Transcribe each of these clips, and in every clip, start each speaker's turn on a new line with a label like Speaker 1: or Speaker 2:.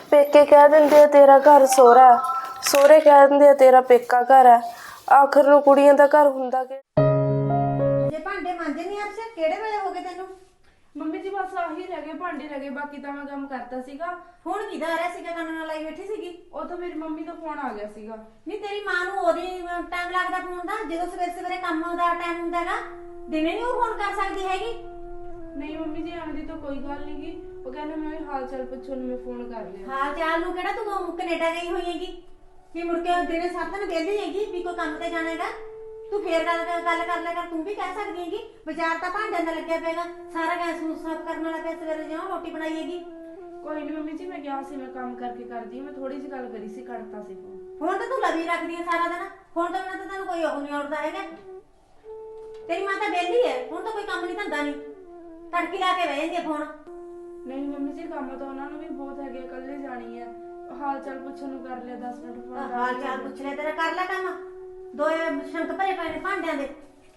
Speaker 1: पेके कह देंगे तेरा घर सोहरा सोहरे कह देंगे तेरा पेका घर है आखिर ਨੂੰ ਕੁੜੀਆਂ ਦਾ ਘਰ ਹੁੰਦਾ ਕਿ
Speaker 2: ਜੇ ਭਾਂਡੇ ਮਾਂਜੇ ਨਹੀਂ ਅੱਜ ਕਿਹੜੇ ਵੇਲੇ ਹੋ ਗਏ ਤੈਨੂੰ?
Speaker 1: ਮੰਮੀ ਜੀ ਬਸ ਆਹੀ ਰਹਿ ਗਏ ਭਾਂਡੇ ਰਹਿ ਗਏ ਬਾਕੀ ਤਾਂ ਮੈਂ ਕੰਮ ਕਰਤਾ ਸੀਗਾ।
Speaker 2: ਫੋਨ ਕਿਹਦਾ ਆ ਰਿਹਾ ਸੀਗਾ? ਕੰਨ ਨਾਲ ਲਾਈ ਬੈਠੀ ਸੀਗੀ।
Speaker 1: ਉਹ ਤਾਂ ਮੇਰੀ ਮੰਮੀ ਦਾ ਫੋਨ ਆ ਗਿਆ ਸੀਗਾ।
Speaker 2: ਨਹੀਂ ਤੇਰੀ ਮਾਂ ਨੂੰ ਉਹਦੀ ਟਾਈਮ ਲੱਗਦਾ ਫੋਨ ਦਾ ਜਦੋਂ ਸਵੇਰੇ ਸਵੇਰੇ ਕੰਮ ਦਾ ਟਾਈਮ ਹੁੰਦਾਗਾ ਦਿਨੇ ਨਹੀਂ ਉਹ ਫੋਨ ਕਰ ਸਕਦੀ ਹੈਗੀ।
Speaker 1: ਨਹੀਂ ਮੰਮੀ ਜੀ ਆਂਦੀ ਤਾਂ ਕੋਈ ਗੱਲ ਨਹੀਂ ਗੀ ਉਹ ਕਹਿੰਦੇ ਮੈਂ ਹਾਲ ਚਾਲ ਪੁੱਛਣ ਨੂੰ ਮੈਂ ਫੋਨ ਕਰ ਲਿਆ।
Speaker 2: ਹਾਲ ਚਾਲ ਨੂੰ ਕਿਹੜਾ ਤੂੰ ਕੈਨੇਡਾ ਗਈ ਹੋਈ ਹੈਗੀ ਕਿ ਮੁੜ ਕੇ ਦਿਨੇ 7 ਦਿਨ ਵਿਹਲੀ ਹੈਗੀ ਵੀ ਕੋਈ ਕੰਮ ਤੇ ਜਾਣਾ ਹੈਗਾ ਤੂੰ ਫੇਰ ਗੱਲ ਕਰ ਲੈ ਕਰ ਤੂੰ ਵੀ ਕਹਿ ਸਕਦੀ ਹੈਗੀ ਬਾਜ਼ਾਰ ਤਾਂ ਭਾਂਡਿਆਂ ਦਾ ਲੱਗਿਆ ਪਏਗਾ ਸਾਰਾ ਗੈਸ ਨੂੰ ਸਾਫ਼ ਕਰਨ ਵਾਲਾ ਪਿਆ ਸਵੇਰੇ ਜਿਉਂ ਰੋਟੀ ਬਣਾਈ ਹੈਗੀ।
Speaker 1: ਕੋਈ ਨਹੀਂ ਮੰਮੀ ਜੀ ਮੈਂ ਗਿਆ ਸੀ ਮੈਂ ਕੰਮ ਕਰਕੇ ਕਰਦੀ ਮੈਂ ਥੋੜੀ ਜਿਹੀ ਗੱਲ ਕਰੀ ਸੀ ਕੱਟਤਾ ਸੀ
Speaker 2: ਫੋਨ ਤਾਂ ਤੂੰ ਲਵੀ ਰੱਖਦੀ ਹੈ ਸਾਰਾ ਦਿਨ ਫੋਨ ਤੋਂ ਬਿਨਾਂ ਤਾਂ ਤੈਨੂੰ ਕੋਈ ਉਹ ਨਹੀਂ ਆਉਦਾ ਹੈਗਾ। ਤੇਰੀ ਮਾਂ ਤਾਂ ਵਿਹਲੀ ਹੈ ਹੁਣ ਤਾਂ ਕੋਈ ਕੰਮ ਨਹੀਂ ਧੰਦਾ ਨਹੀਂ ਤੜਕੀ ਲਾ ਕੇ ਬਹਿ ਜਾਂਦੀ ਫੋਨ।
Speaker 1: ਨਹੀਂ ਮੰਮੀ ਜੀ ਕੰਮ ਤਾਂ ਉਹਨਾਂ ਨੂੰ ਵੀ ਬਹੁਤ ਹੈਗੇ ਇਕੱਲੇ ਜਾਣੀ ਹੈ ਹਾਲ ਚਾਲ ਪੁੱਛਣ ਨੂੰ ਕਰ ਲਿਆ 10 ਮਿੰਟ ਫੋਨ
Speaker 2: ਹਾਲ ਚਾਲ ਪੁੱਛ ਲਿਆ ਤੇਰਾ ਕਰ ਲੈ ਕੰਮ ਦੋਏ ਸ਼ੰਕ ਭਰੇ ਪਏ ਨੇ ਭਾਂਡਿਆਂ ਦੇ।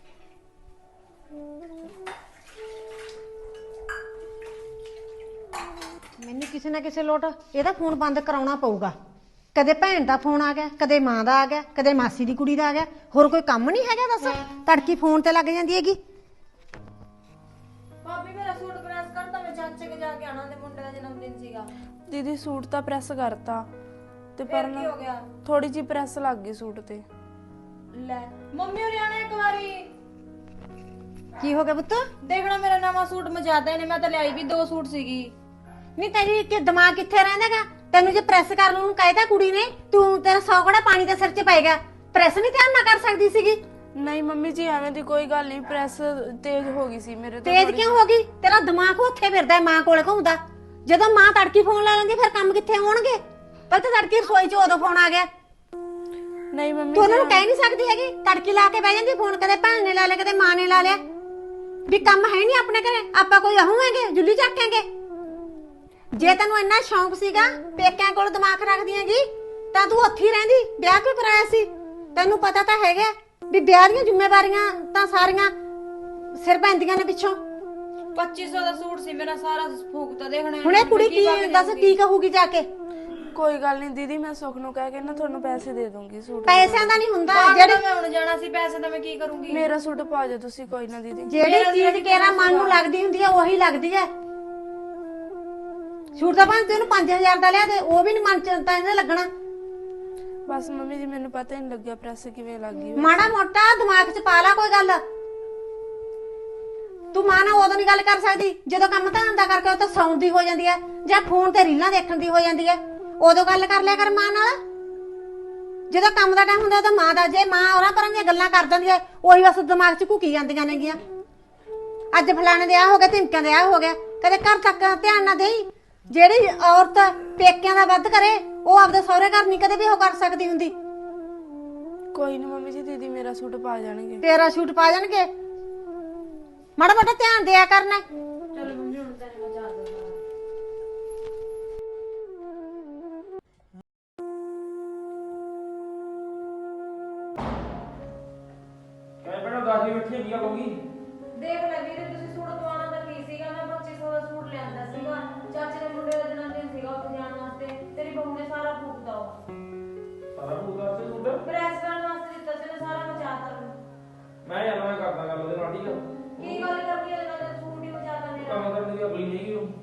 Speaker 2: ਮੈਨੂੰ ਕਿਸੇ ਨਾ ਕਿਸੇ ਲੋਟ ਇਹਦਾ ਫੋਨ ਬੰਦ ਕਰਾਉਣਾ ਪਊਗਾ। ਕਦੇ ਭੈਣ ਦਾ ਫੋਨ ਆ ਗਿਆ ਕਦੇ ਮਾਂ ਦਾ ਆ ਗਿਆ ਕਦੇ ਮਾਸੀ ਦੀ ਕੁੜੀ ਦਾ ਆ ਗਿਆ ਹੋਰ ਕੋਈ ਕੰਮ ਨਹੀਂ ਹੈਗਾ ਦੱਸ ਤੜਕੀ ਫੋਨ ਤੇ ਲੱਗ ਜਾਂਦੀ ਹੈਗੀ।
Speaker 3: ਭਾਬੀ ਮੇਰਾ ਸੂਟ ਪ੍ਰੈਸ ਕਰਤਾ ਮੈਂ ਚਾਚੇ ਕੇ ਜਾ ਕੇ ਆਣਾ ਤੇ ਮੁੰਡੇ ਦਾ ਜਨਮ ਦਿਨ ਸੀਗਾ।
Speaker 1: ਦੀਦੀ ਸੂਟ ਤਾਂ ਪ੍ਰੈਸ ਕਰਤਾ ਤੇ ਪਰ
Speaker 3: ਕੀ ਹੋ ਗਿਆ?
Speaker 1: ਥੋੜੀ ਜਿਹੀ ਪ੍ਰੈਸ ਲੱਗ ਗਈ ਸੂਟ ਤੇ।
Speaker 3: ਲੈ ਮੰਮੀ ਹੋਰੀ ਆਣਾ ਇੱਕ ਵਾਰੀ
Speaker 2: ਕੀ ਹੋ ਗਿਆ ਪੁੱਤ?
Speaker 3: ਦੇਖਣਾ ਮੇਰਾ ਨਵਾਂ ਸੂਟ ਮਜਾਦਾ ਨੇ ਮੈਂ ਤਾਂ ਲਿਆਈ ਵੀ 2 ਸੂਟ ਸੀਗੀ।
Speaker 2: ਨਹੀਂ ਤੇਰੀ ਕਿ ਦਿਮਾਗ ਕਿੱਥੇ ਰਹਿੰਦਾਗਾ ਤੈਨੂੰ ਜੇ ਪ੍ਰੈਸ ਕਰਨ ਨੂੰ ਕਹਿਤਾ ਕੁੜੀ ਨੇ ਤੂੰ ਤੇਰਾ 100 ਘੜਾ ਪਾਣੀ ਦੇ ਸਿਰ 'ਚ ਪਏਗਾ ਪ੍ਰੈਸ ਨਹੀਂ ਧਿਆਨ ਨਾ ਕਰ ਸਕਦੀ ਸੀਗੀ।
Speaker 1: ਨਹੀਂ ਮੰਮੀ ਜੀ ਐਵੇਂ ਦੀ ਕੋਈ ਗੱਲ ਨਹੀਂ ਪ੍ਰੈਸ ਤੇਜ਼ ਹੋ ਗਈ ਸੀ ਮੇਰੇ ਤੋਂ।
Speaker 2: ਤੇਜ਼ ਕਿਉਂ ਹੋ ਗਈ? ਤੇਰਾ ਦਿਮਾਗ ਉੱਥੇ ਫਿਰਦਾ ਮਾਂ ਕੋਲੇ ਘੁੰਮਦਾ। ਜਦੋਂ ਮਾਂ ਤੜਕੀ ਫੋਨ ਲਾ ਲੈਂਦੀ ਫਿਰ ਕੰਮ ਕਿੱਥੇ ਹੋਣਗੇ? ਪਰ ਤੇ ਤੜਕੀ ਰਸੋਈ 'ਚ ਉਦੋਂ ਫੋਨ ਆ ਗਿਆ।
Speaker 1: ਨਹੀਂ ਮੰਮੀ
Speaker 2: ਤੂੰ ਉਹਨਾਂ ਨੂੰ ਕਹਿ ਨਹੀਂ ਸਕਦੀ ਹੈਗੀ ਤੜਕੀ ਲਾ ਕੇ ਬਹਿ ਜਾਂਦੀ ਫੋਨ ਕਦੇ ਭੈਣ ਨੇ ਲਾ ਲਿਆ ਕਦੇ ਮਾਂ ਨੇ ਲਾ ਲਿਆ ਵੀ ਕੰਮ ਹੈ ਨਹੀਂ ਆਪਣੇ ਘਰੇ ਆਪਾਂ ਕੋਈ ਆਹੂਵਾਂਗੇ ਜੁੱਲੀ ਚੱਕਾਂਗੇ। ਜੇ ਤੈਨੂੰ ਇੰਨਾ ਸ਼ੌਂਕ ਸੀਗਾ ਪੇਕਿਆਂ ਕੋਲ ਦਿਮਾਗ ਰੱਖਦੀ ਹੈਗੀ ਤਾਂ ਤੂੰ ਉੱਥੇ ਹੀ ਰਹਿੰਦੀ ਵਿਆਹ ਕਿਉਂ ਕਰਾਇਆ ਸੀ? ਤੈਨੂੰ ਪਤਾ ਤਾਂ ਹੈਗਾ ਵੀ ਵਿਆਹ ਦੀਆਂ ਜ਼ਿੰਮੇਵਾਰੀਆਂ ਤਾਂ ਸਾਰੀਆਂ ਸਿਰ ਪੈਂਦੀਆਂ ਨੇ ਪਿੱਛੋਂ।
Speaker 3: 2500 ਦਾ ਸੂਟ ਸੀ ਮੇਰਾ ਸਾਰਾ ਫੂਕਤਾ ਦੇਖਣਾ।
Speaker 2: ਹੁਣ ਇਹ ਕੁੜੀ ਕੀ ਦੱਸ ਕੀ ਕਹੂਗੀ ਜਾ ਕੇ?
Speaker 1: ਕੋਈ ਗੱਲ ਨਹੀਂ ਦੀਦੀ ਮੈਂ ਸੁਖ ਨੂੰ ਕਹਿ ਕੇ ਨਾ ਤੁਹਾਨੂੰ ਪੈਸੇ ਦੇ ਦੂੰਗੀ ਸੂਟ
Speaker 2: ਪੈਸਿਆਂ ਦਾ ਨਹੀਂ ਹੁੰਦਾ
Speaker 3: ਜਿਹੜੇ ਮੈਂ ਹੁਣ ਜਾਣਾ ਸੀ ਪੈਸੇ ਤਾਂ ਮੈਂ ਕੀ ਕਰੂੰਗੀ?
Speaker 1: ਮੇਰਾ ਸੂਟ ਪਾ ਜਾ ਤੁਸੀਂ ਕੋਈ ਨਾ ਦੀਦੀ।
Speaker 2: ਜਿਹੜੀ ਚੀਜ਼ ਕੇਰਾ ਮਨ ਨੂੰ ਲੱਗਦੀ ਹੁੰਦੀ ਹੈ ਉਹੀ ਲੱਗਦੀ ਹੈ। ਸੂਟ ਦਾ ਭਾਂ ਤੈਨੂੰ 5000 ਦਾ ਲਿਆ ਤੇ ਉਹ ਵੀ ਨਹੀਂ ਮਨ ਚ ਤਾਂ ਇਹਨੇ ਲੱਗਣਾ।
Speaker 1: ਬਸ ਮੰਮੀ ਜੀ ਮੈਨੂੰ ਪਤਾ ਹੀ ਨਹੀਂ ਲੱਗਿਆ ਪ੍ਰੈਸ ਕਿਵੇਂ ਲੱਗ ਗਈ।
Speaker 2: ਮਾੜਾ ਮੋਟਾ ਦਿਮਾਗ 'ਚ ਪਾ ਲਾ ਕੋਈ ਗੱਲ। ਤੂੰ ਮਾਂ ਨਾਲ ਉਦੋਂ ਨਹੀਂ ਗੱਲ ਕਰ ਸਕਦੀ ਜਦੋਂ ਕੰਮ ਧੰਦਾ ਕਰਕੇ ਉਹ ਤਾਂ ਸੌਣ ਦੀ ਹੋ ਜਾਂਦੀ ਹੈ ਜਾਂ ਫੋਨ ਤੇ ਰੀਲਾਂ ਦੇਖਣ ਦੀ ਹੋ ਜਾਂਦੀ ਹੈ ਉਦੋਂ ਗੱਲ ਕਰ ਲਿਆ ਕਰ ਮਾਂ ਨਾਲ। ਜਦੋਂ ਕੰਮ ਦਾ ਟਾਈਮ ਹੁੰਦਾ ਤਾਂ ਮਾਂ ਦਾ ਜੇ ਮਾਂ ਉਹਨਾਂ ਪਰਾਂ ਦੀਆਂ ਗੱਲਾਂ ਕਰ ਦਿੰਦੀ ਹੈ ਉਹੀ ਬਸ ਦਿਮਾਗ 'ਚ ਘੁਕੀ ਜਾਂਦੀਆਂ ਨੇਗੀਆਂ। ਅੱਜ ਫਲਾਣੇ ਦੇ ਆ ਹੋ ਗਿਆ ਧਮਕਿਆਂ ਦੇ ਆ ਹੋ ਗਿਆ ਕਦੇ ਘਰ ਤੱਕ ਧਿਆਨ ਨਾ ਦੇਈ। ਜਿਹੜੀ ਔਰਤ ਪੇਕਿਆਂ ਦਾ ਵੱਧ ਕਰੇ ਉਹ ਆਪਦੇ ਸਹੁਰੇ ਘਰ ਨਹੀਂ ਕਦੇ ਵੀ ਉਹ ਕਰ ਸਕਦੀ ਹੁੰਦੀ।
Speaker 1: ਕੋਈ ਨਾ ਮੰਮੀ ਜੀ ਦੀਦੀ ਮੇਰਾ ਸੂਟ ਪਾ ਜਾਣਗੇ।
Speaker 2: ਤੇਰਾ ਸੂਟ ਪਾ ਜਾਣਗੇ ਮਾੜਾ ਮੋਟਾ ਧਿਆਨ ਦਿਆ ਕਰਨਾ।
Speaker 3: ਚਲੋ ਮੰਮੀ ਹੁਣ ਤਾਂ ਮੈਂ ਜਾ ਦਵਾਂ।
Speaker 4: ਕਹਿ ਬਣਾ ਦਾਦੀ ਬੈਠੀ ਹੈਗੀ ਆ ਲੋਗੀ।
Speaker 3: ਦੇਖ ਲੈ ਵੀਰੇ ਤੁਸੀਂ ਸੂਟ ਦਵਾਉਣਾ ਤਾਂ ਕੀ ਸੀਗਾ ਮੈਂ 2500 ਦਾ ਸੂਟ ਲਿਆਂਦਾ ਸੀਗਾ ਚਾਚੇ ਦੇ ਮੁੰਡੇ ਦਾ ਜਨਮ ਦਿਨ ਸੀਗਾ ਉੱਥੇ ਜਾਣ ਵਾਸਤੇ ਤੇਰੀ ਬਹੂ ਨੇ ਸਾਰਾ ਫੂਕਦਾ ਉਹ
Speaker 4: ਸਾਰਾ ਪੂਰਾ ਤੇ ਸੂਟ
Speaker 3: ਪ੍ਰੈਸ ਕਰਨ ਵਾਸਤੇ ਦਿੱਤਾ ਸੀ ਨਾ ਸਾਰਾ ਮਚਾਤਾ।
Speaker 4: ਮੈਂ ਜਾਣਾ ਮੈਂ ਕਰਦਾ ਗੱਲ ਉਹਦੇ ਨਾਲ ਠੀਕ ਆ।
Speaker 3: ਕੀ ਗੱਲ ਕਰਦੀ ਹੈ ਇਹਨਾਂ ਦਾ ਸੂਟ ਹੀ ਮਚਾਤਾ ਮੇਰਾ।
Speaker 4: ਕੰਮ ਕਰਨ ਦੀ ਅਗਲੀ ਨਹੀਂ ਉਹ।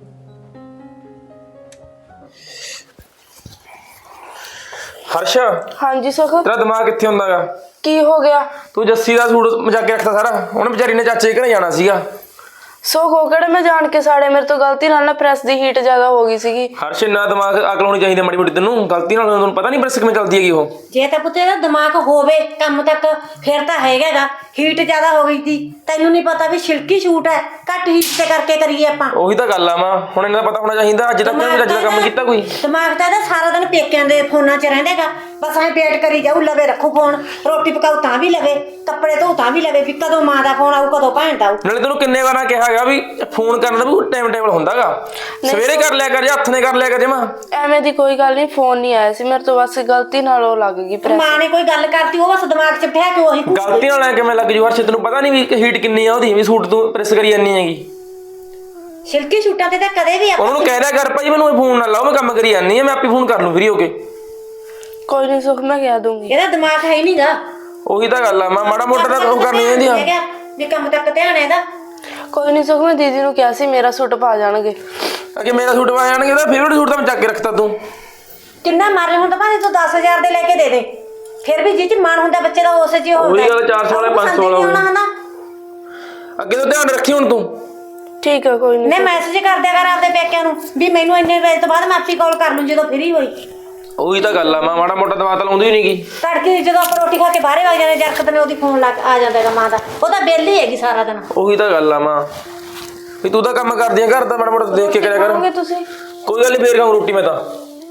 Speaker 4: ਹਰਸ਼
Speaker 1: ਹਾਂਜੀ ਸੁਖ
Speaker 4: ਤੇਰਾ ਦਿਮਾਗ ਕਿੱਥੇ ਹੁੰਦਾਗਾ?
Speaker 1: ਕੀ ਹੋ ਗਿਆ?
Speaker 4: ਤੂੰ ਜੱਸੀ ਦਾ ਸੂਟ ਮਜਾ ਕੇ ਰੱਖਦਾ ਸਾਰਾ ਉਹਨੇ ਵਿਚਾਰੀ ਨੇ ਚਾਚੇ ਘਰੇ ਜਾਣਾ ਸੀਗਾ।
Speaker 1: ਸੁਖ ਉਹ ਕਿਹੜੇ ਮੈਂ ਜਾਣ ਕੇ ਸਾੜੇ ਮੇਰੇ ਤੋਂ ਗਲਤੀ ਨਾਲ ਨਾ ਪ੍ਰੈਸ ਦੀ ਹੀਟ ਜ਼ਿਆਦਾ ਹੋ ਗਈ ਸੀਗੀ।
Speaker 4: ਹਰਸ਼ ਇੰਨਾ ਦਿਮਾਗ ਅਕਲ ਹੋਣੀ ਚਾਹੀਦੀ ਮਾੜੀ ਮੋਟੀ ਤੈਨੂੰ ਗਲਤੀ ਨਾਲ ਤੁਹਾਨੂੰ ਪਤਾ ਨਹੀਂ ਪ੍ਰੈਸ ਕਿਵੇਂ ਚੱਲਦੀ ਹੈਗੀ ਉਹ।
Speaker 2: ਜੇ ਤਾਂ ਪੁੱਤੇ ਦਾ ਦਿਮਾਗ ਹੋਵੇ ਕੰਮ ਤੱਕ ਫਿਰ ਤਾਂ ਹੈਗਾਗਾ ਹੀਟ ਜ਼ਿਆਦਾ ਹੋ ਗਈ ਸੀ ਤੈਨੂੰ ਨਹੀਂ ਪਤਾ ਵੀ ਛਿਲਕੀ ਸ਼ੂਟ ਹੈ ਘੱਟ ਹੀਟ ਤੇ ਕਰਕੇ ਕਰੀਏ ਆਪਾਂ।
Speaker 4: ਉਹੀ ਤਾਂ ਗੱਲ ਆ ਮਾਂ ਹੁਣ ਇਹਨਾਂ ਦਾ ਪਤਾ ਹੋਣਾ ਚਾਹੀਦਾ ਅੱਜ ਤੱਕ ਕੋਈ ਰੱਜ ਦਾ ਕੰਮ ਕੀਤਾ ਕੋਈ।
Speaker 2: ਦਿਮਾਗ ਤਾਂ ਇਹਦਾ ਸਾਰਾ ਦਿਨ ਪੇਕਿਆਂ ਦੇ ਫੋਨਾਂ 'ਚ ਰਹਿੰਦਾਗਾ ਬਸ ਐਂ ਵੇਟ ਕਰੀ ਜਾਊ ਲਵੇ ਰੱਖੂ ਫੋਨ ਰੋਟੀ ਪਕਾਉ ਤਾਂ ਵੀ ਲਵੇ ਕੱਪੜੇ ਧੋ ਤਾਂ ਵੀ ਲਵੇ ਵੀ ਕਦੋਂ ਮਾਂ ਦਾ ਫੋਨ ਆਊ ਕਦੋਂ ਭੈਣ ਦਾ ਆਊ।
Speaker 4: ਨਾਲੇ ਤੈਨੂੰ ਕਿੰਨੇ ਵਾਰਾਂ ਕਿਹਾ ਹੈਗਾ ਵੀ ਫੋਨ ਕਰਨ ਦਾ ਵੀ ਟਾਈਮ ਟੇਬਲ ਹੁੰਦਾਗਾ ਸਵੇਰੇ ਕਰ ਲਿਆ ਕਰ ਜਾਂ ਹੱਥ ਨੇ ਕਰ ਲਿਆ ਕਰ ਜਮਾ।
Speaker 1: ਐਵੇਂ ਦੀ ਕੋਈ ਗੱਲ ਨਹੀਂ ਫੋਨ ਨਹੀਂ ਆਇਆ ਸੀ ਮੇਰੇ ਤੋਂ ਬਸ ਗਲਤੀ ਨਾਲ ਉਹ ਲੱਗ ਗਈ ਪ੍ਰੈਸ।
Speaker 2: ਮਾਂ ਨੇ ਕੋਈ ਗੱਲ ਕਰਤੀ ਉਹ ਬਸ ਦਿਮਾਗ 'ਚ ਬਿਠਾ ਕੇ ਉਹੀ
Speaker 4: ਗਲਤੀ ਨਾਲ ਕਿਵੇਂ ਲੱਗ ਜੂ ਹਰਸ਼ ਤੈਨੂੰ ਪਤਾ ਨਹੀਂ ਵੀ ਹੀਟ ਕਿੰਨੀ ਆ ਉਹਦੀ ਵੀ ਸੂਟ ਤੂੰ ਪ੍ਰੈਸ ਕਰੀ ਜਾਂਦੀ ਹੈਗੀ।
Speaker 2: ਸਿਲਕੀ ਸੂਟਾਂ ਤੇ ਤਾਂ ਕਦੇ ਵੀ ਆਪਾਂ
Speaker 4: ਉਹਨੂੰ ਕਹਿ ਦਿਆ ਕਰ ਭਾਈ ਮੈਨੂੰ ਫੋਨ ਨਾ ਲਾਓ, ਮੈਂ ਕੰਮ ਕਰੀ ਜਾਂਦੀ ਆ, ਮੈਂ ਆਪੇ ਫੋਨ ਕਰ ਲੂੰ ਫ੍ਰੀ ਹੋ ਕੇ।
Speaker 1: ਕੋਈ ਨਹੀਂ ਸੁਖ, ਮੈਂ ਕਹਿ ਦੂੰਗੀ।
Speaker 2: ਇਹਦਾ ਦਿਮਾਗ ਹੈ ਹੀ ਨਹੀਂਗਾ।
Speaker 4: ਉਹੀ ਤਾਂ ਗੱਲ ਆ, ਮੈਂ ਮਾੜਾ ਮੋਟਾ ਤਾਂ ਉਹ ਕਰਨੀ ਚਾਹੀਦੀ ਆ
Speaker 2: ਵੀ ਕੰਮ ਤੱਕ ਧਿਆਨ ਹੈ ਇਹਦਾ।
Speaker 1: ਕੋਈ ਨਹੀਂ ਸੁਖ, ਮੈਂ ਦੀਦੀ ਨੂੰ ਕਿਹਾ ਸੀ ਮੇਰਾ ਸੂਟ ਪਾ ਜਾਣਗੇ।
Speaker 4: ਅੱਗੇ ਮੇਰਾ ਸੂਟ ਪਾ ਜਾਣਗੇ ਤਾਂ ਫੇਵਰਟ ਸੂਟ ਤਾਂ ਮੈਂ ਚੱਕ ਕੇ ਰੱਖਤਾ ਤੂੰ।
Speaker 2: ਕਿੰਨਾ ਮਾਰੇ ਹੁਣ ਤਾਂ ਭਾਵੇਂ ਤੂੰ 10,000 ਦੇ ਲੈ ਕੇ ਦੇ ਦੇ, ਫਿਰ ਵੀ ਜਿਹ ਚ ਮਨ ਹੁੰਦਾ ਬੱਚੇ ਦਾ ਉਸ ਚ ਹੀ ਹੁੰਦਾ।
Speaker 4: ਉਹੀ ਗੱਲ 400 ਵਾਲਾ 500 ਵਾਲਾ ਹੋਣਾ। ਅੱਗੇ ਤੋਂ ਧਿਆਨ ਰੱਖੀ ਹੁਣ ਤੂੰ।
Speaker 1: ਠੀਕ ਹੈ ਕੋਈ ਨਹੀਂ।
Speaker 2: ਮੈਂ ਮੈਸੇਜ ਕਰ ਦਿਆ ਕਰ ਆਪਦੇ ਪੇਕਿਆਂ ਨੂੰ ਵੀ ਮੈਨੂੰ ਇੰਨੇ ਵਜੇ ਤੋਂ ਬਾਅਦ ਮੈਂ ਆਪੀ ਕਾਲ ਕਰ ਲੂੰ ਜਦੋਂ ਫ੍ਰੀ ਹੋਈ।
Speaker 4: ਉਹੀ ਤਾਂ ਗੱਲ ਆ, ਮੈਂ ਮਾੜਾ ਮੋਟਾ ਦਵਾ ਤਾਂ ਲਾਉਂਦੀ ਹੀ ਨਹੀਂਗੀ।
Speaker 2: ਤੜਕੇ ਜਦੋਂ ਆਪਾਂ ਰੋਟੀ ਖਾ ਕੇ ਬਾਹਰੇ ਵਗ ਜਾਂਦੇ ਜਰਕਤ ਨੇ ਉਹਦੀ ਫੋਨ ਲਾ ਆ ਜਾਂਦਾ ਹੈਗਾ ਮਾਂ ਦਾ, ਉਹ ਤਾਂ ਵਿਹਲੀ ਹੈਗੀ ਸਾਰਾ ਦਿਨ।
Speaker 4: ਉਹੀ ਤਾਂ ਗੱਲ ਆ ਮਾਂ, ਵੀ ਤੂੰ ਤਾਂ ਕੰਮ ਕਰਦੀ ਆ ਘਰ ਦਾ, ਮਾੜਾ ਮੋਟਾ ਦੇਖ ਕੇ ਕਰਿਆ ਕਰ।
Speaker 1: ਖਾਓਗੇ ਤੁਸੀਂ?
Speaker 4: ਕੋਈ ਗੱਲ ਨਹੀਂ, ਫੇਰ ਖਾਊਂ ਰੋਟੀ ਮੈਂ ਤਾਂ।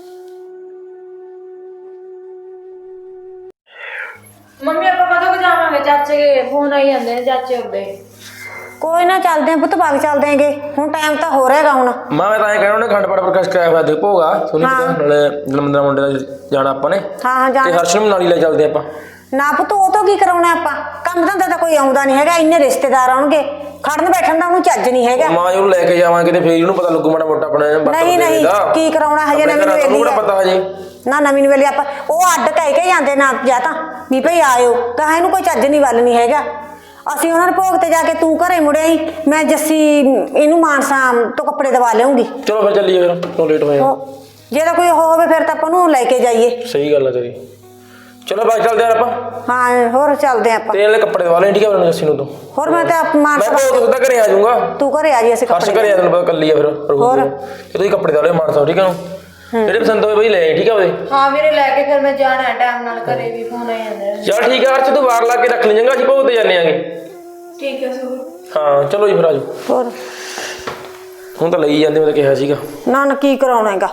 Speaker 3: ਮੰਮੀ ਆਪਾਂ ਕਦੋਂ ਕੁ ਜਾਵਾਂਗੇ? ਚਾਚੇ ਦੇ ਫੋਨ ਆਈ ਜਾਂਦੇ ਨੇ ਚਾਚੇ ਹੁੰਦੇ।
Speaker 2: ਕੋਈ ਨਾ ਚੱਲਦੇ ਆਂ ਪੁੱਤ, ਬਾਗ ਚੱਲਦੇ ਆਂਗੇ, ਹੁਣ ਟਾਈਮ ਤਾਂ ਹੋ ਰਿਹਾਗਾ ਹੁਣ।
Speaker 4: ਮਾਂ ਮੈਂ ਤਾਂ ਐਂ ਕਹਿਣਾ ਉਹਨੇ ਖੰਡ ਪਾਠ ਪ੍ਰਕਾਸ਼ ਕਰਾਇਆ ਹੋਇਆ ਦੇਖ ਭੋਗਾ ਸੁਣੀ ਨਾਲੇ ਜਨਮਦਿਨ ਮੁੰਡੇ ਦਾ ਜਾਣਾ ਆਪਾਂ ਨੇ।
Speaker 2: ਹਾਂ
Speaker 4: ਤੇ
Speaker 2: ਜਾਣਾ।
Speaker 4: ਹਰਸ਼ ਨੂੰ ਵੀ ਨਾਲ ਹੀ ਲੈ ਚੱਲਦੇ ਆਪਾਂ।
Speaker 2: ਨਾ ਪੁੱਤ ਉਹ ਤੋਂ ਕੀ ਕਰਾਉਣਾ ਆਪਾਂ, ਕੰਮ ਧੰਦਾ ਤਾਂ ਕੋਈ ਆਉਂਦਾ ਨਹੀਂ ਹੈਗਾ, ਇੰਨੇ ਰਿਸ਼ਤੇਦਾਰ ਆਉਣਗੇ, ਖੜਨ ਬੈਠਣ ਦਾ ਉਹਨੂੰ ਚੱਜ ਨਹੀਂ ਹੈਗਾ।
Speaker 4: ਮਾਂ ਉਹਨੂੰ ਲੈ ਕੇ ਜਾਵਾਂਗੇ ਤੇ ਫੇਰ ਇਹਨੂੰ ਪਤਾ ਲੱਗੂ ਮਾੜਾ ਮੋਟਾ ਆਪਣੇ
Speaker 2: ਨਹੀਂ ਕੀ ਕਰਾਉਣਾ ਹਜੇ ਨਵੀਂ ਨਵੇਲੀ
Speaker 4: ਨੂੰ ਪਤਾ ਹਜੇ
Speaker 2: ਨਾ, ਨਵੀਂ ਨਵੇਲੀ ਆਪਾਂ ਉਹ ਅੱਡ ਕਹਿ ਕੇ ਜਾਂਦੇ ਨਾ ਜਾਂ ਤਾਂ ਵੀ ਭਈ ਆਇਓ, ਤਾਂ ਇਹਨੂੰ ਕੋਈ ਚੱਜ ਨਹੀਂ ਵੱਲ ਨਹੀਂ ਹੈਗਾ। ਅਸੀਂ ਉਹਨਾਂ ਦੇ ਭੋਗ ਤੇ ਜਾ ਕੇ ਤੂੰ ਘਰੇ ਮੁੜਿਆ ਹੀ, ਮੈਂ ਜੱਸੀ ਇਹਨੂੰ ਮਾਨਸਾ ਤੋਂ ਕੱਪੜੇ ਦਵਾ ਲਿਆਉਂਗੀ।
Speaker 4: ਚਲੋ ਫਿਰ ਚੱਲੀਏ, ਫਿਰ ਕਿਉਂ ਲੇਟ ਹੋਏ ਆ।
Speaker 2: ਜੇ ਤਾਂ ਕੋਈ ਹੋਵੇ ਫਿਰ ਤਾਂ ਆਪਾਂ ਨੂੰ ਲੈ ਕੇ ਜਾਈਏ।
Speaker 4: ਸਹੀ ਗੱਲ ਆ ਤੇਰੀ। ਚਲੋ ਬਾਈ ਚੱਲਦੇ ਆ ਆਪਾਂ।
Speaker 2: ਹਾਂ ਹੋਰ ਚੱਲਦੇ ਆਪਾਂ।
Speaker 4: ਤੇ ਇਹਨੇ ਕੱਪੜੇ ਦਵਾ ਲੈ, ਠੀਕ ਆ ਮੈਨੂੰ ਜੱਸੀ ਨੂੰ ਤੂੰ।
Speaker 2: ਹੋਰ ਮੈਂ ਤਾਂ
Speaker 4: ਮੈਂ
Speaker 2: ਮਾਨਸਾ
Speaker 4: ਭੋਗ ਸਿੱਧਾ ਘਰੇ ਆ ਜਾਊਂਗਾ।
Speaker 2: ਤੂੰ ਘਰੇ ਆ ਜੀ, ਅਸੀਂ
Speaker 4: ਹਰਸ਼
Speaker 2: ਕੱਪੜੇ
Speaker 4: ਘਰੇ ਆ, ਤੈਨੂੰ ਪਤਾ ਕੱਲੀ ਆ ਫਿਰ
Speaker 2: ਹੋਰ
Speaker 4: ਤੇ ਤੁਸੀਂ ਕੱਪੜੇ ਦਵਾ ਲਿਓ ਮਾਨਸਾ, ਠੀਕ ਆ। ਜਿਹੜੇ ਪਸੰਦ ਹੋਏ ਬਈ ਲੈ ਆਈ, ਠੀਕ ਆ ਉਹਦੇ।
Speaker 3: ਹਾਂ ਵੀਰੇ ਲੈ ਕੇ ਫਿਰ ਮੈਂ ਜਾਣਾ ਟਾਈਮ ਨਾਲ, ਘਰੇ ਵੀ ਫੋਨ ਆਈ ਜਾਂਦੇ ਨੇ।
Speaker 4: ਚੱਲ ਠੀਕ ਆ ਹਰਸ਼, ਤੂੰ ਬਾਹਰ ਲਾ ਕੇ ਰੱਖ ਲਈ ਚੰਗਾ, ਅਸੀਂ ਭੋਗ ਤੇ ਜਾਂਦੇ ਆਂਗੇ।
Speaker 3: ਠੀਕ ਹੈ ਸੁਖ।
Speaker 4: ਹਾਂ ਚਲੋ ਜੀ ਫਿਰ ਆਜੋ।
Speaker 2: ਹੋਰ
Speaker 4: ਹੁਣ ਤਾਂ ਲਈ ਜਾਂਦੇ, ਮੈਂ ਤਾਂ ਕਿਹਾ ਸੀਗਾ।
Speaker 2: ਨਾ ਕੀ ਕਰਾਉਣਾ ਹੈਗਾ।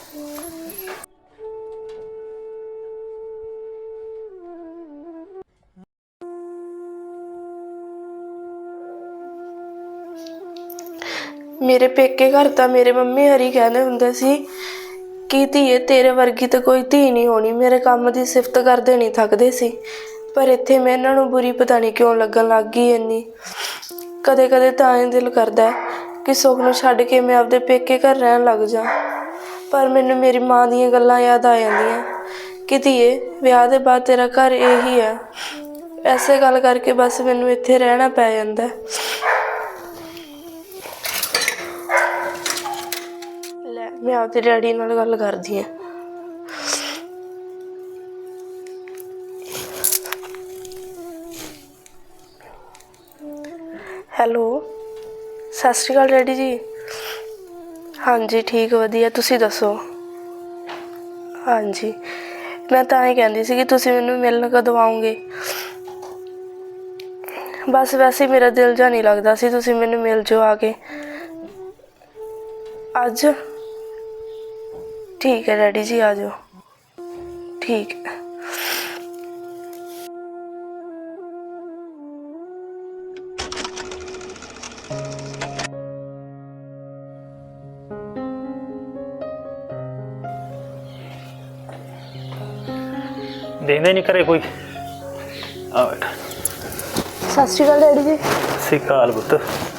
Speaker 1: ਮੇਰੇ ਪੇਕੇ ਘਰ ਤਾਂ ਮੇਰੇ ਮੰਮੀ ਹਰੀ ਕਹਿੰਦੇ ਹੁੰਦੇ ਸੀ ਕਿ ਧੀਏ ਤੇਰੇ ਵਰਗੀ ਤਾਂ ਕੋਈ ਧੀ ਨਹੀਂ ਹੋਣੀ, ਮੇਰੇ ਕੰਮ ਦੀ ਸਿਫਤ ਕਰਦੇ ਨਹੀਂ ਥੱਕਦੇ ਸੀ। ਪਰ ਇੱਥੇ ਮੈਂ ਇਹਨਾਂ ਨੂੰ ਬੁਰੀ ਪਤਾ ਨਹੀਂ ਕਿਉਂ ਲੱਗਣ ਲੱਗ ਗਈ ਇੰਨੀ। ਕਦੇ ਕਦੇ ਤਾਂ ਇਹ ਦਿਲ ਕਰਦਾ ਕਿ ਸੁੱਖ ਨੂੰ ਛੱਡ ਕੇ ਮੈਂ ਆਪਦੇ ਪੇਕੇ ਘਰ ਰਹਿਣ ਲੱਗ ਜਾ, ਪਰ ਮੈਨੂੰ ਮੇਰੀ ਮਾਂ ਦੀਆਂ ਗੱਲਾਂ ਯਾਦ ਆ ਜਾਂਦੀਆਂ ਕਿ ਧੀਏ ਵਿਆਹ ਦੇ ਬਾਅਦ ਤੇਰਾ ਘਰ ਇਹੀ ਹੈ। ਐਸੇ ਗੱਲ ਕਰਕੇ ਬਸ ਮੈਨੂੰ ਇੱਥੇ ਰਹਿਣਾ ਪੈ ਜਾਂਦਾ। ਲੈ ਮੈਂ ਆਪਦੇ ਡੈਡੀ ਨਾਲ ਗੱਲ ਕਰਦੀ ਹਾਂ। ਹੈਲੋ, ਸਤਿ ਸ਼੍ਰੀ ਅਕਾਲ ਡੈਡੀ ਜੀ। ਹਾਂਜੀ ਠੀਕ ਵਧੀਆ, ਤੁਸੀਂ ਦੱਸੋ? ਹਾਂਜੀ ਮੈਂ ਤਾਂ ਇਹ ਕਹਿੰਦੀ ਸੀ ਕਿ ਤੁਸੀਂ ਮੈਨੂੰ ਮਿਲਣ ਕਦੋਂ ਆਓਗੇ? ਬਸ ਵੈਸੇ ਮੇਰਾ ਦਿਲ ਜਾ ਨਹੀਂ ਲੱਗਦਾ ਸੀ, ਤੁਸੀਂ ਮੈਨੂੰ ਮਿਲ ਜਾਓ ਆ ਕੇ ਅੱਜ। ਠੀਕ ਹੈ ਡੈਡੀ ਜੀ, ਆ ਜਾਓ। ਠੀਕ ਹੈ।
Speaker 5: ਦੇਖਦੇ ਨਹੀਂ ਘਰੇ ਕੋਈ। ਆ ਬੈਠ।
Speaker 1: ਸਤਿ ਸ਼੍ਰੀ ਅਕਾਲ ਡੈਡੀ ਜੀ।
Speaker 5: ਸਿਕਾਲ ਪੁੱਤ,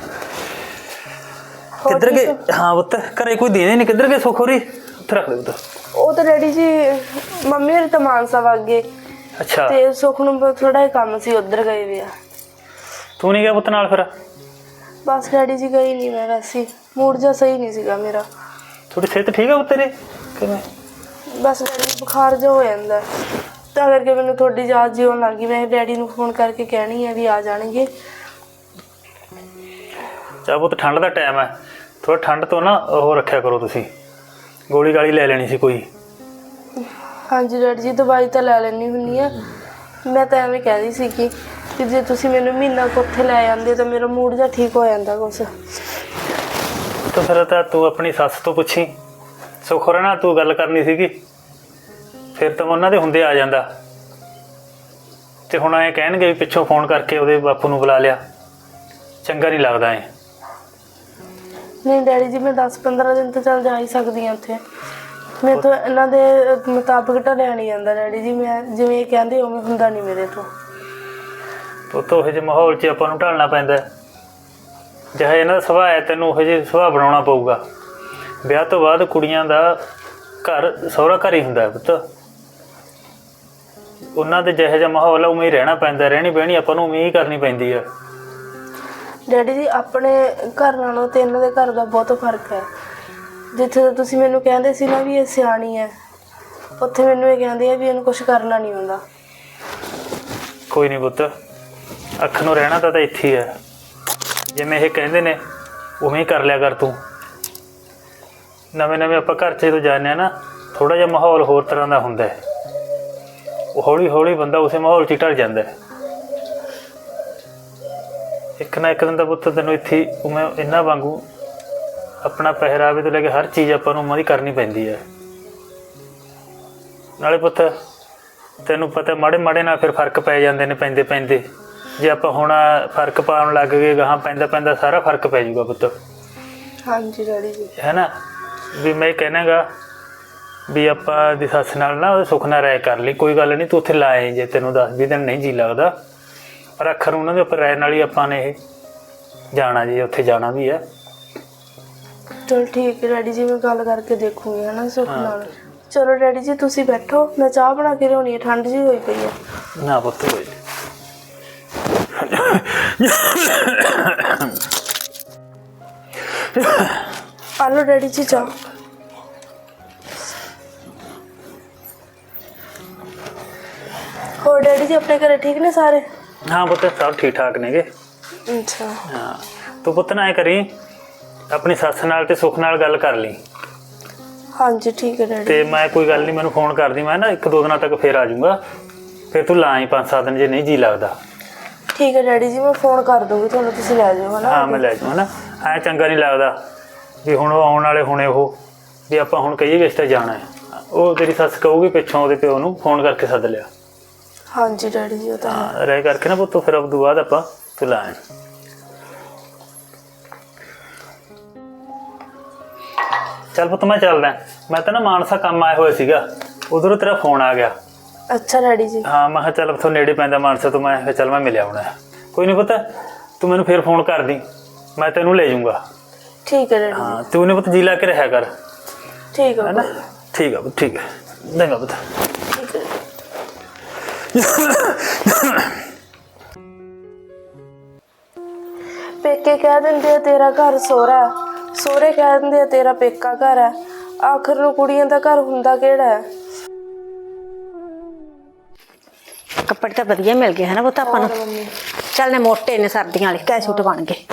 Speaker 5: ਕਿੱਧਰ ਗਏ? ਹਾਂ ਪੁੱਤ ਘਰੇ ਕੋਈ ਦੇਦੇ ਨਹੀਂ, ਕਿੱਧਰ ਗਏ ਸੁੱਖ ਹੋਰੀ? ਉੱਥੇ ਰੱਖ ਦੇ ਪੁੱਤ।
Speaker 1: ਉਹ ਤਾਂ ਡੈਡੀ ਜੀ ਮੰਮੀ ਹਰੀ ਤਾਂ ਮਾਨਸਾ ਵਗ ਗਏ
Speaker 5: ਅੱਛਾ,
Speaker 1: ਤੇ ਸੁੱਖ ਨੂੰ ਥੋੜਾ ਜਿਹਾ ਕੰਮ ਸੀ, ਉੱਧਰ ਗਏ ਵੇ ਆ।
Speaker 5: ਤੂੰ ਨਹੀਂ ਗਿਆ ਪੁੱਤ ਨਾਲ ਫਿਰ?
Speaker 1: ਬਸ ਡੈਡੀ ਜੀ ਗਈ ਨਹੀਂ ਮੈਂ, ਵੈਸੇ ਮੂਡ ਜਿਹਾ ਸਹੀ ਨਹੀਂ ਸੀਗਾ ਮੇਰਾ।
Speaker 5: ਥੋੜੀ ਸਿਹਤ ਠੀਕ ਆ ਪੁੱਤ ਤੇਰੇ? ਕਿਵੇਂ?
Speaker 1: ਬਸ ਡੈਡੀ ਬੁਖਾਰ ਜਿਹਾ ਹੋ ਜਾਂਦਾ, ਤਾਂ ਕਰਕੇ ਮੈਨੂੰ ਤੁਹਾਡੀ ਯਾਦ ਜਿਹੀ ਆਉਣ ਲੱਗ ਗਈ। ਮੈਂ ਡੈਡੀ ਨੂੰ ਫੋਨ ਕਰਕੇ ਕਹਿਣੀ ਹੈ ਵੀ ਆ ਜਾਣਗੇ।
Speaker 5: ਚਾ ਪੁੱਤ ਠੰਡ ਦਾ ਟਾਈਮ ਹੈ, ਥੋੜਾ ਠੰਡ ਤੋਂ ਨਾ ਉਹ ਰੱਖਿਆ ਕਰੋ ਤੁਸੀਂ, ਗੋਲੀ ਗਾਲੀ ਲੈ ਲੈਣੀ ਸੀ ਕੋਈ।
Speaker 1: ਹਾਂਜੀ ਡੈਡੀ ਜੀ ਦਵਾਈ ਤਾਂ ਲੈ ਲੈਣੀ ਹੁੰਦੀ ਆ। ਮੈਂ ਤਾਂ ਐਵੇਂ ਕਹਿੰਦੀ ਸੀ ਕਿ ਜੇ ਤੁਸੀਂ ਮੈਨੂੰ ਮਹੀਨਾ ਕੁ ਉੱਥੇ ਲੈ ਜਾਂਦੇ ਤਾਂ ਮੇਰਾ ਮੂਡ ਜਿਹਾ ਠੀਕ ਹੋ ਜਾਂਦਾ ਕੁਛ।
Speaker 5: ਤਾਂ ਫਿਰ ਤਾਂ ਤੂੰ ਆਪਣੀ ਸੱਸ ਤੋਂ ਪੁੱਛੀ, ਸੁੱਖ ਹੋਰਾਂ ਨਾਲ ਤੂੰ ਗੱਲ ਕਰਨੀ ਸੀਗੀ, ਫਿਰ ਤਾਂ ਉਹਨਾਂ ਦੇ ਹੁੰਦੇ ਆ ਜਾਂਦਾ। ਤੇ ਹੁਣ ਐਂ ਕਹਿਣਗੇ ਵੀ ਪਿੱਛੋਂ ਫੋਨ ਕਰਕੇ ਉਹਦੇ ਬਾਪੂ ਨੂੰ ਬੁਲਾ ਲਿਆ, ਚੰਗਾ ਨਹੀਂ ਲੱਗਦਾ ਐ।
Speaker 1: ਨਹੀਂ ਡੈਡੀ ਜੀ ਮੈਂ 10-15 ਦਿਨ ਤਾਂ ਚੱਲ ਜਾ ਹੀ ਸਕਦੀ ਹਾਂ ਉੱਥੇ। ਮੇਰੇ ਤੋਂ ਇਹਨਾਂ ਦੇ ਮੁਤਾਬਕ ਢਲਿਆ ਨਹੀਂ ਜਾਂਦਾ ਡੈਡੀ ਜੀ, ਮੈਂ ਜਿਵੇਂ ਇਹ ਕਹਿੰਦੇ ਉਵੇਂ ਹੁੰਦਾ ਨਹੀਂ ਮੇਰੇ ਤੋਂ।
Speaker 5: ਪੁੱਤ ਉਹੋ ਜਿਹੇ ਮਾਹੌਲ 'ਚ ਆਪਾਂ ਨੂੰ ਢਲਣਾ ਪੈਂਦਾ। ਜਿਹੜਾ ਇਹਨਾਂ ਦਾ ਸੁਭਾਅ ਹੈ ਤੈਨੂੰ ਉਹੋ ਜਿਹੇ ਸੁਭਾਅ ਬਣਾਉਣਾ ਪਊਗਾ। ਵਿਆਹ ਤੋਂ ਬਾਅਦ ਕੁੜੀਆਂ ਦਾ ਘਰ ਸਹੁਰਾ ਘਰ ਹੀ ਹੁੰਦਾ ਹੈ ਪੁੱਤ। ਉਹਨਾਂ ਦੇ ਜਿਹੋ ਜਿਹਾ ਮਾਹੌਲ ਆ ਉਵੇਂ ਹੀ ਰਹਿਣਾ ਪੈਂਦਾ, ਰਹਿਣੀ ਬਹਿਣੀ ਆਪਾਂ ਨੂੰ ਉਵੇਂ ਹੀ ਕਰਨੀ ਪੈਂਦੀ ਆ।
Speaker 1: ਡੈਡੀ ਜੀ ਆਪਣੇ ਘਰ ਨਾਲੋਂ ਤੇ ਇਹਨਾਂ ਦੇ ਘਰ ਦਾ ਬਹੁਤ ਫਰਕ ਹੈ। ਜਿੱਥੇ ਤਾਂ ਤੁਸੀਂ ਮੈਨੂੰ ਕਹਿੰਦੇ ਸੀ ਨਾ ਵੀ ਇਹ ਸਿਆਣੀ ਹੈ, ਉੱਥੇ ਮੈਨੂੰ ਇਹ ਕਹਿੰਦੇ ਆ ਵੀ ਇਹਨੂੰ ਕੁਝ ਕਰਨਾ ਨਹੀਂ ਆਉਂਦਾ।
Speaker 5: ਕੋਈ ਨਹੀਂ ਪੁੱਤ, ਅੱਖ ਨੂੰ ਰਹਿਣਾ ਤਾਂ ਇੱਥੇ ਹੀ ਹੈ। ਜਿਵੇਂ ਇਹ ਕਹਿੰਦੇ ਨੇ ਉਵੇਂ ਹੀ ਕਰ ਲਿਆ ਕਰ ਤੂੰ। ਨਵੇਂ ਆਪਾਂ ਘਰ 'ਚ ਜਦੋਂ ਜਾਂਦੇ ਹਾਂ ਨਾ, ਥੋੜ੍ਹਾ ਜਿਹਾ ਮਾਹੌਲ ਹੋਰ ਤਰ੍ਹਾਂ ਦਾ ਹੁੰਦਾ ਹੈ। ਉਹ ਹੌਲੀ ਹੌਲੀ ਬੰਦਾ ਉਸੇ ਮਾਹੌਲ 'ਚ ਹੀ ਢਲ ਜਾਂਦਾ ਹੈ। ਇੱਕ ਨਾ ਇੱਕ ਦਿਨ ਦਾ ਪੁੱਤ ਤੈਨੂੰ ਇੱਥੇ ਉਵੇਂ ਇਹਨਾਂ ਵਾਂਗੂ ਆਪਣਾ ਪਹਿਰਾਵੇ ਤੋਂ ਲੈ ਕੇ ਹਰ ਚੀਜ਼ ਆਪਾਂ ਨੂੰ ਉਵੇਂ ਦੀ ਕਰਨੀ ਪੈਂਦੀ ਹੈ। ਨਾਲੇ ਪੁੱਤ ਤੈਨੂੰ ਪਤਾ ਮਾੜੇ ਮਾੜੇ ਨਾਲ ਫਿਰ ਫਰਕ ਪੈ ਜਾਂਦੇ ਨੇ ਪੈਂਦੇ ਪੈਂਦੇ। ਜੇ ਆਪਾਂ ਹੁਣ ਫਰਕ ਪਾਉਣ ਲੱਗ ਗਏ ਗਾਹਾਂ ਪੈਂਦਾ ਪੈਂਦਾ ਸਾਰਾ ਫਰਕ ਪੈ ਜਾਊਗਾ ਪੁੱਤ।
Speaker 1: ਹਾਂਜੀ ਡੈਡੀ ਜੀ।
Speaker 5: ਹੈ ਨਾ ਵੀ ਮੈਂ ਕਹਿਣਾ ਗਾ ਵੀ ਆਪਾਂ ਦੀ ਸੱਸ ਨਾਲ ਨਾ ਉਹਦੇ ਸੁੱਖ ਨਾਲ ਰਾਏ ਕਰ ਲਈ। ਕੋਈ ਗੱਲ ਨਹੀਂ, ਤੂੰ ਉੱਥੇ ਲਾਏ ਜੇ ਤੈਨੂੰ 10-20 ਦਿਨ ਨਹੀਂ ਜੀ ਲੱਗਦਾ, ਪਰ ਅੱਖਰ ਉਹਨਾਂ ਦੇ ਉੱਪਰ ਰਾਏ ਨਾਲ ਹੀ ਆਪਾਂ ਨੇ ਇਹ ਜਾਣਾ ਜੀ, ਉੱਥੇ ਜਾਣਾ ਵੀ ਹੈ।
Speaker 1: ਚਲ ਠੀਕ ਹੈ ਡੈਡੀ ਜੀ, ਮੈਂ ਗੱਲ ਕਰਕੇ ਦੇਖੂੰਗੀ ਹੈ ਨਾ ਸੁੱਖ ਨਾਲ। ਚਲੋ ਡੈਡੀ ਜੀ ਤੁਸੀਂ ਬੈਠੋ, ਮੈਂ ਚਾਹ ਬਣਾ ਕੇ ਲਿਆਉਣੀ ਹੈ, ਠੰਡ ਜਿਹੀ ਹੋਈ ਪਈ ਹੈ।
Speaker 5: ਨਾ ਪੁੱਤ ਹੋਈ
Speaker 1: ਆ ਲਓ ਡੈਡੀ ਜੀ ਚਾਹ। ਹੋਰ ਡੈਡੀ ਜੀ ਆਪਣੇ ਘਰੇ ਠੀਕ ਨੇ ਸਾਰੇ?
Speaker 5: ਹਾਂ ਪੁੱਤ ਸਭ ਠੀਕ ਠਾਕ ਨੇਗੇ।
Speaker 1: ਅੱਛਾ।
Speaker 5: ਹਾਂ ਤੂੰ ਪੁੱਤ ਨਾ ਐਂ ਕਰੀ, ਆਪਣੀ ਸੱਸ ਨਾਲ ਤੇ ਸੁੱਖ ਨਾਲ ਗੱਲ ਕਰ ਲਈ।
Speaker 1: ਹਾਂਜੀ ਠੀਕ ਹੈ ਡੈਡੀ।
Speaker 5: ਤੇ ਮੈਂ ਕੋਈ ਗੱਲ ਨਹੀਂ, ਮੈਨੂੰ ਫੋਨ ਕਰਦੀ, ਮੈਂ ਨਾ 1-2 ਦਿਨਾਂ ਤੱਕ ਫੇਰ ਆ ਜਾਊਂਗਾ। ਫਿਰ ਤੂੰ ਲਾਈ 5-7 ਦਿਨ ਜੇ ਨਹੀਂ ਜੀ ਲੱਗਦਾ।
Speaker 1: ਠੀਕ ਹੈ ਡੈਡੀ ਜੀ, ਮੈਂ ਫੋਨ ਕਰ ਦੂੰਗੀ ਤੁਹਾਨੂੰ, ਤੁਸੀਂ ਲੈ ਜਾਓ ਹੈ ਨਾ।
Speaker 5: ਹਾਂ ਮੈਂ ਲੈ ਜਾਊਂ ਹੈ ਨਾ। ਐਂ ਚੰਗਾ ਨਹੀਂ ਲੱਗਦਾ ਵੀ ਹੁਣ ਉਹ ਆਉਣ ਵਾਲੇ ਹੁਣੇ ਉਹ ਵੀ ਆਪਾਂ ਹੁਣ ਕਹੀਏ ਵੀ ਇਸ ਤੇ ਜਾਣਾ ਹੈ। ਉਹ ਤੇਰੀ ਸੱਸ ਕਹੂਗੀ ਪਿੱਛੋਂ ਉਹਦੇ ਪਿਓ ਨੂੰ ਫੋਨ ਕਰਕੇ ਸੱਦ ਲਿਆ।
Speaker 1: ਹਾਂਜੀ ਡੈਡੀ ਜੀ ਉਹ ਤਾਂ ਹੈ।
Speaker 5: ਹਾਂ ਰਹਿ ਕਰਕੇ ਨਾ ਪੁੱਤ, ਫਿਰ ਉਸ ਤੋਂ ਬਾਅਦ ਆਪਾਂ ਤੂੰ ਲਾ ਆਈ। ਚੱਲ ਪੁੱਤ ਮੈਂ ਚੱਲਦਾ, ਮੈਂ ਤਾਂ ਨਾ ਮਾਨਸਾ ਕੰਮ ਆਇਆ ਹੋਇਆ ਸੀਗਾ, ਉਧਰੋਂ ਤੇਰਾ ਫੋਨ ਆ ਗਿਆ।
Speaker 1: ਅੱਛਾ ਡੈਡੀ ਜੀ।
Speaker 5: ਹਾਂ ਮੈਂ ਕਿਹਾ ਚੱਲ ਉੱਥੋਂ ਨੇੜੇ ਪੈਂਦਾ ਮਾਨਸਾ ਤੋਂ, ਮੈਂ ਕਿਹਾ ਚੱਲ ਮੈਂ ਮਿਲਿਆ ਆਉਣਾ। ਕੋਈ ਨਹੀਂ ਪੁੱਤ, ਤੂੰ ਮੈਨੂੰ ਫਿਰ ਫੋਨ ਕਰ ਦੀ, ਮੈਂ ਤੈਨੂੰ ਲੈ ਜਾਊਂਗਾ।
Speaker 1: ਠੀਕ ਹੈ ਡੈਡੀ।
Speaker 5: ਹਾਂ ਤੂੰ ਨੇ ਪੁੱਤ ਜੀ ਲਾ ਕੇ ਰਿਹਾ ਕਰ।
Speaker 1: ਠੀਕ ਹੈ
Speaker 5: ਨਾ ਠੀਕ ਆ ਪੁੱਤ, ਠੀਕ ਹੈ ਚੰਗਾ ਪੁੱਤ।
Speaker 1: ਠੀਕ ਹੈ। ਪੇਕੇ ਕਹਿ ਦਿੰਦੇ ਆ ਤੇਰਾ ਘਰ ਸਹੁਰਾ ਹੈ, ਸਹੁਰੇ ਕਹਿ ਦਿੰਦੇ ਆ ਤੇਰਾ ਪੇਕਾ ਘਰ ਹੈ, ਆਖਰ ਨੂੰ ਕੁੜੀਆਂ ਦਾ ਘਰ ਹੁੰਦਾ ਕਿਹੜਾ ਹੈ?
Speaker 2: ਕੱਪੜੇ ਤਾਂ ਵਧੀਆ ਮਿਲ ਗਏ ਹੈ ਨਾ ਪੁੱਤ ਆਪਾਂ ਨੂੰ। ਚੱਲ ਨੇ ਮੋਟੇ ਨੇ ਸਰਦੀਆਂ ਵਾਲੇ ਕੈ ਸੂਟ ਬਣ ਗਏ।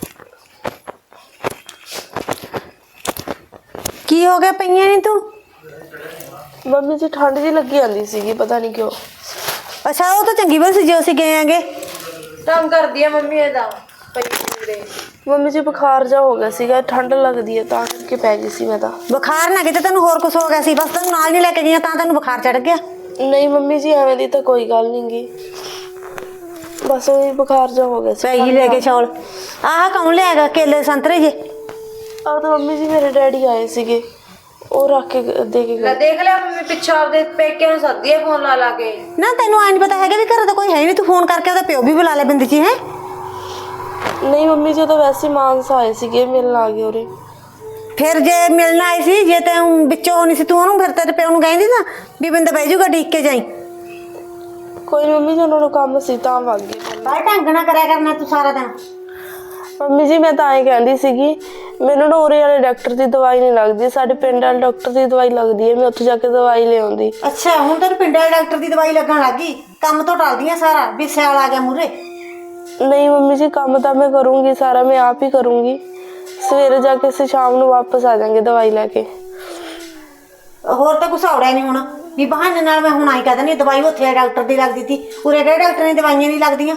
Speaker 2: ਕੀ ਹੋ ਗਿਆ, ਪਈਆਂ ਨਹੀਂ ਤੂੰ?
Speaker 1: ਮੰਮੀ ਜੀ ਠੰਡ ਜੀ ਲੱਗੀ ਜਾਂਦੀ ਸੀਗੀ, ਪਤਾ ਨਹੀਂ ਕਿਉਂ।
Speaker 2: ਅੱਛਾ ਉਹ ਤਾਂ ਚੰਗੀ ਬਸ ਜੇ ਅਸੀਂ ਗਏ ਆਂਗੇ।
Speaker 3: ਤੰਗ ਕਰਦੀ ਆ ਮੰਮੀ ਇਹਦਾ ਪਈ ਪੂਰੇ।
Speaker 1: ਮੰਮੀ ਜੀ ਬੁਖਾਰ ਜਾ ਹੋ ਗਿਆ ਸੀਗਾ, ਠੰਡ ਲੱਗਦੀ ਹੈ ਤਾਂ ਕਰਕੇ ਪੈ ਗਈ ਸੀ ਮੈਂ ਤਾਂ।
Speaker 2: ਬੁਖਾਰ ਨਾ ਕਿਤੇ ਤੈਨੂੰ ਹੋਰ ਕੁਝ ਹੋ ਗਿਆ ਸੀ, ਬਸ ਤੈਨੂੰ ਨਾਲ ਨਹੀਂ ਲੈ ਕੇ ਗਈਆਂ ਤਾਂ ਤੈਨੂੰ ਬੁਖਾਰ ਚੜ ਗਿਆ।
Speaker 1: ਨਹੀਂ ਮੰਮੀ ਜੀ ਐਵੇਂ ਦੀ ਤਾਂ ਕੋਈ ਗੱਲ ਨਹੀਂ ਗੀ, ਬਸ ਉਹ ਬੁਖਾਰ ਜਾ ਹੋ ਗਿਆ ਸੀ।
Speaker 2: ਪੈ ਗਈ ਲੈ ਕੇ ਚੌਲ। ਆਹ ਕੌਣ ਲਿਆਗਾ ਕੇਲੇ ਸੰਤਰੇ ਜੇ?
Speaker 1: ਆਹ ਤਾਂ ਮੰਮੀ ਜੀ ਮੇਰੇ ਡੈਡੀ ਆਏ ਸੀਗੇ, ਉਹ ਰੱਖ ਕੇ ਦੇ ਕੇ
Speaker 3: ਲੈ
Speaker 1: ਗਏ।
Speaker 3: ਦੇਖ ਲਿਆ ਮੰਮੀ ਪਿੱਛੋਂ ਆਪਦੇ ਪੇਕੇ ਨੂੰ ਸੱਦੀ ਆ ਫੋਨ ਲਾ ਲਾ ਕੇ।
Speaker 2: ਨਾ ਤੈਨੂੰ ਆਈ ਨਹੀਂ ਪਤਾ ਹੈਗਾ ਵੀ ਘਰ ਤਾਂ ਕੋਈ ਹੈ ਨਹੀਂ, ਤੂੰ ਫੋਨ ਕਰਕੇ ਉਹਦਾ ਪਿਓ ਵੀ ਬੁਲਾ ਲੈ ਬਿੰਦ ਜੀ। ਹੈ
Speaker 1: ਨਹੀਂ ਮੰਮੀ ਜੀ ਉਹ ਤਾਂ ਵੈਸੇ ਮਾਨਸਾ ਆਏ ਸੀਗੇ, ਮਿਲਣ ਆ ਗਏ ਉਰੇ।
Speaker 2: ਫਿਰ ਜੇ ਮਿਲਣਾ ਆਈ ਸੀ, ਜੇ ਤੈਨੂੰ ਵਿੱਚੋਂ ਨਹੀਂ ਸੀ ਤੂੰ ਉਹਨੂੰ ਫਿਰ ਤੇਰੇ ਪਿਓ ਨੂੰ ਕਹਿੰਦੀ ਨਾ ਵੀ ਬਿੰਦ ਬਹਿ ਜਾਊਗਾ ਡੀਕ ਕੇ ਜਾਈ।
Speaker 1: ਕੋਈ ਨੀ ਮੰਮੀ ਜੀ ਉਹਨਾਂ ਨੂੰ ਕੰਮ ਸੀ ਤਾਂ ਵਗ ਗਏ।
Speaker 2: ਬਾਹਰ ਢੰਗ ਨਾ ਕਰਿਆ ਕਰਨਾ ਤੂੰ ਸਾਰਾ ਦਿਨ।
Speaker 1: ਮੰਮੀ ਜੀ ਮੈਂ ਤਾਂ ਐਂ ਕਹਿੰਦੀ ਸੀਗੀ, ਮੈਨੂੰ ਨਾ ਉਰੇ ਵਾਲੇ ਡਾਕਟਰ ਦੀ ਦਵਾਈ ਨਹੀਂ ਲੱਗਦੀ, ਸਾਡੇ ਪਿੰਡ ਵਾਲੇ ਡਾਕਟਰ ਦੀ ਦਵਾਈ ਲੱਗਦੀ ਹੈ, ਮੈਂ ਉੱਥੇ ਜਾ ਕੇ ਦਵਾਈ ਲਿਆਉਂਦੀ।
Speaker 2: ਅੱਛਾ ਹੁਣ ਤੈਨੂੰ ਪਿੰਡ ਵਾਲੇ ਡਾਕਟਰ ਦੀ ਦਵਾਈ ਲੱਗਣ ਲੱਗੀ, ਕੰਮ ਤੋਂ ਟਲਦੀਆਂ ਸਾਰਾ ਵੀ ਸਿਆਲ ਆ ਗਿਆ ਮੂਰੇ।
Speaker 1: ਨਹੀਂ ਮੰਮੀ ਜੀ ਕੰਮ ਤਾਂ ਮੈਂ ਕਰੂੰਗੀ ਸਾਰਾ, ਮੈਂ ਆਪ ਹੀ ਕਰੂੰਗੀ। ਸਵੇਰੇ ਜਾ ਕੇ ਅਸੀਂ ਸ਼ਾਮ ਨੂੰ ਵਾਪਸ ਆ ਜਾਾਂਗੇ ਦਵਾਈ ਲੈ ਕੇ।
Speaker 2: ਹੋਰ ਤਾਂ ਕੁਛ ਔੜਿਆ ਨਹੀਂ ਹੁਣ ਵੀ ਬਹਾਨੇ ਨਾਲ ਮੈਂ ਹੁਣ ਆਈ ਕਹਿ ਦਿੰਦੀ ਦਵਾਈ ਉੱਥੇ ਡਾਕਟਰ ਦੀ ਲੱਗਦੀ ਸੀ, ਉਰੇ ਕਿਹੜੇ ਡਾਕਟਰ ਨੇ ਦਵਾਈਆਂ ਨਹੀਂ ਲੱਗਦੀਆਂ।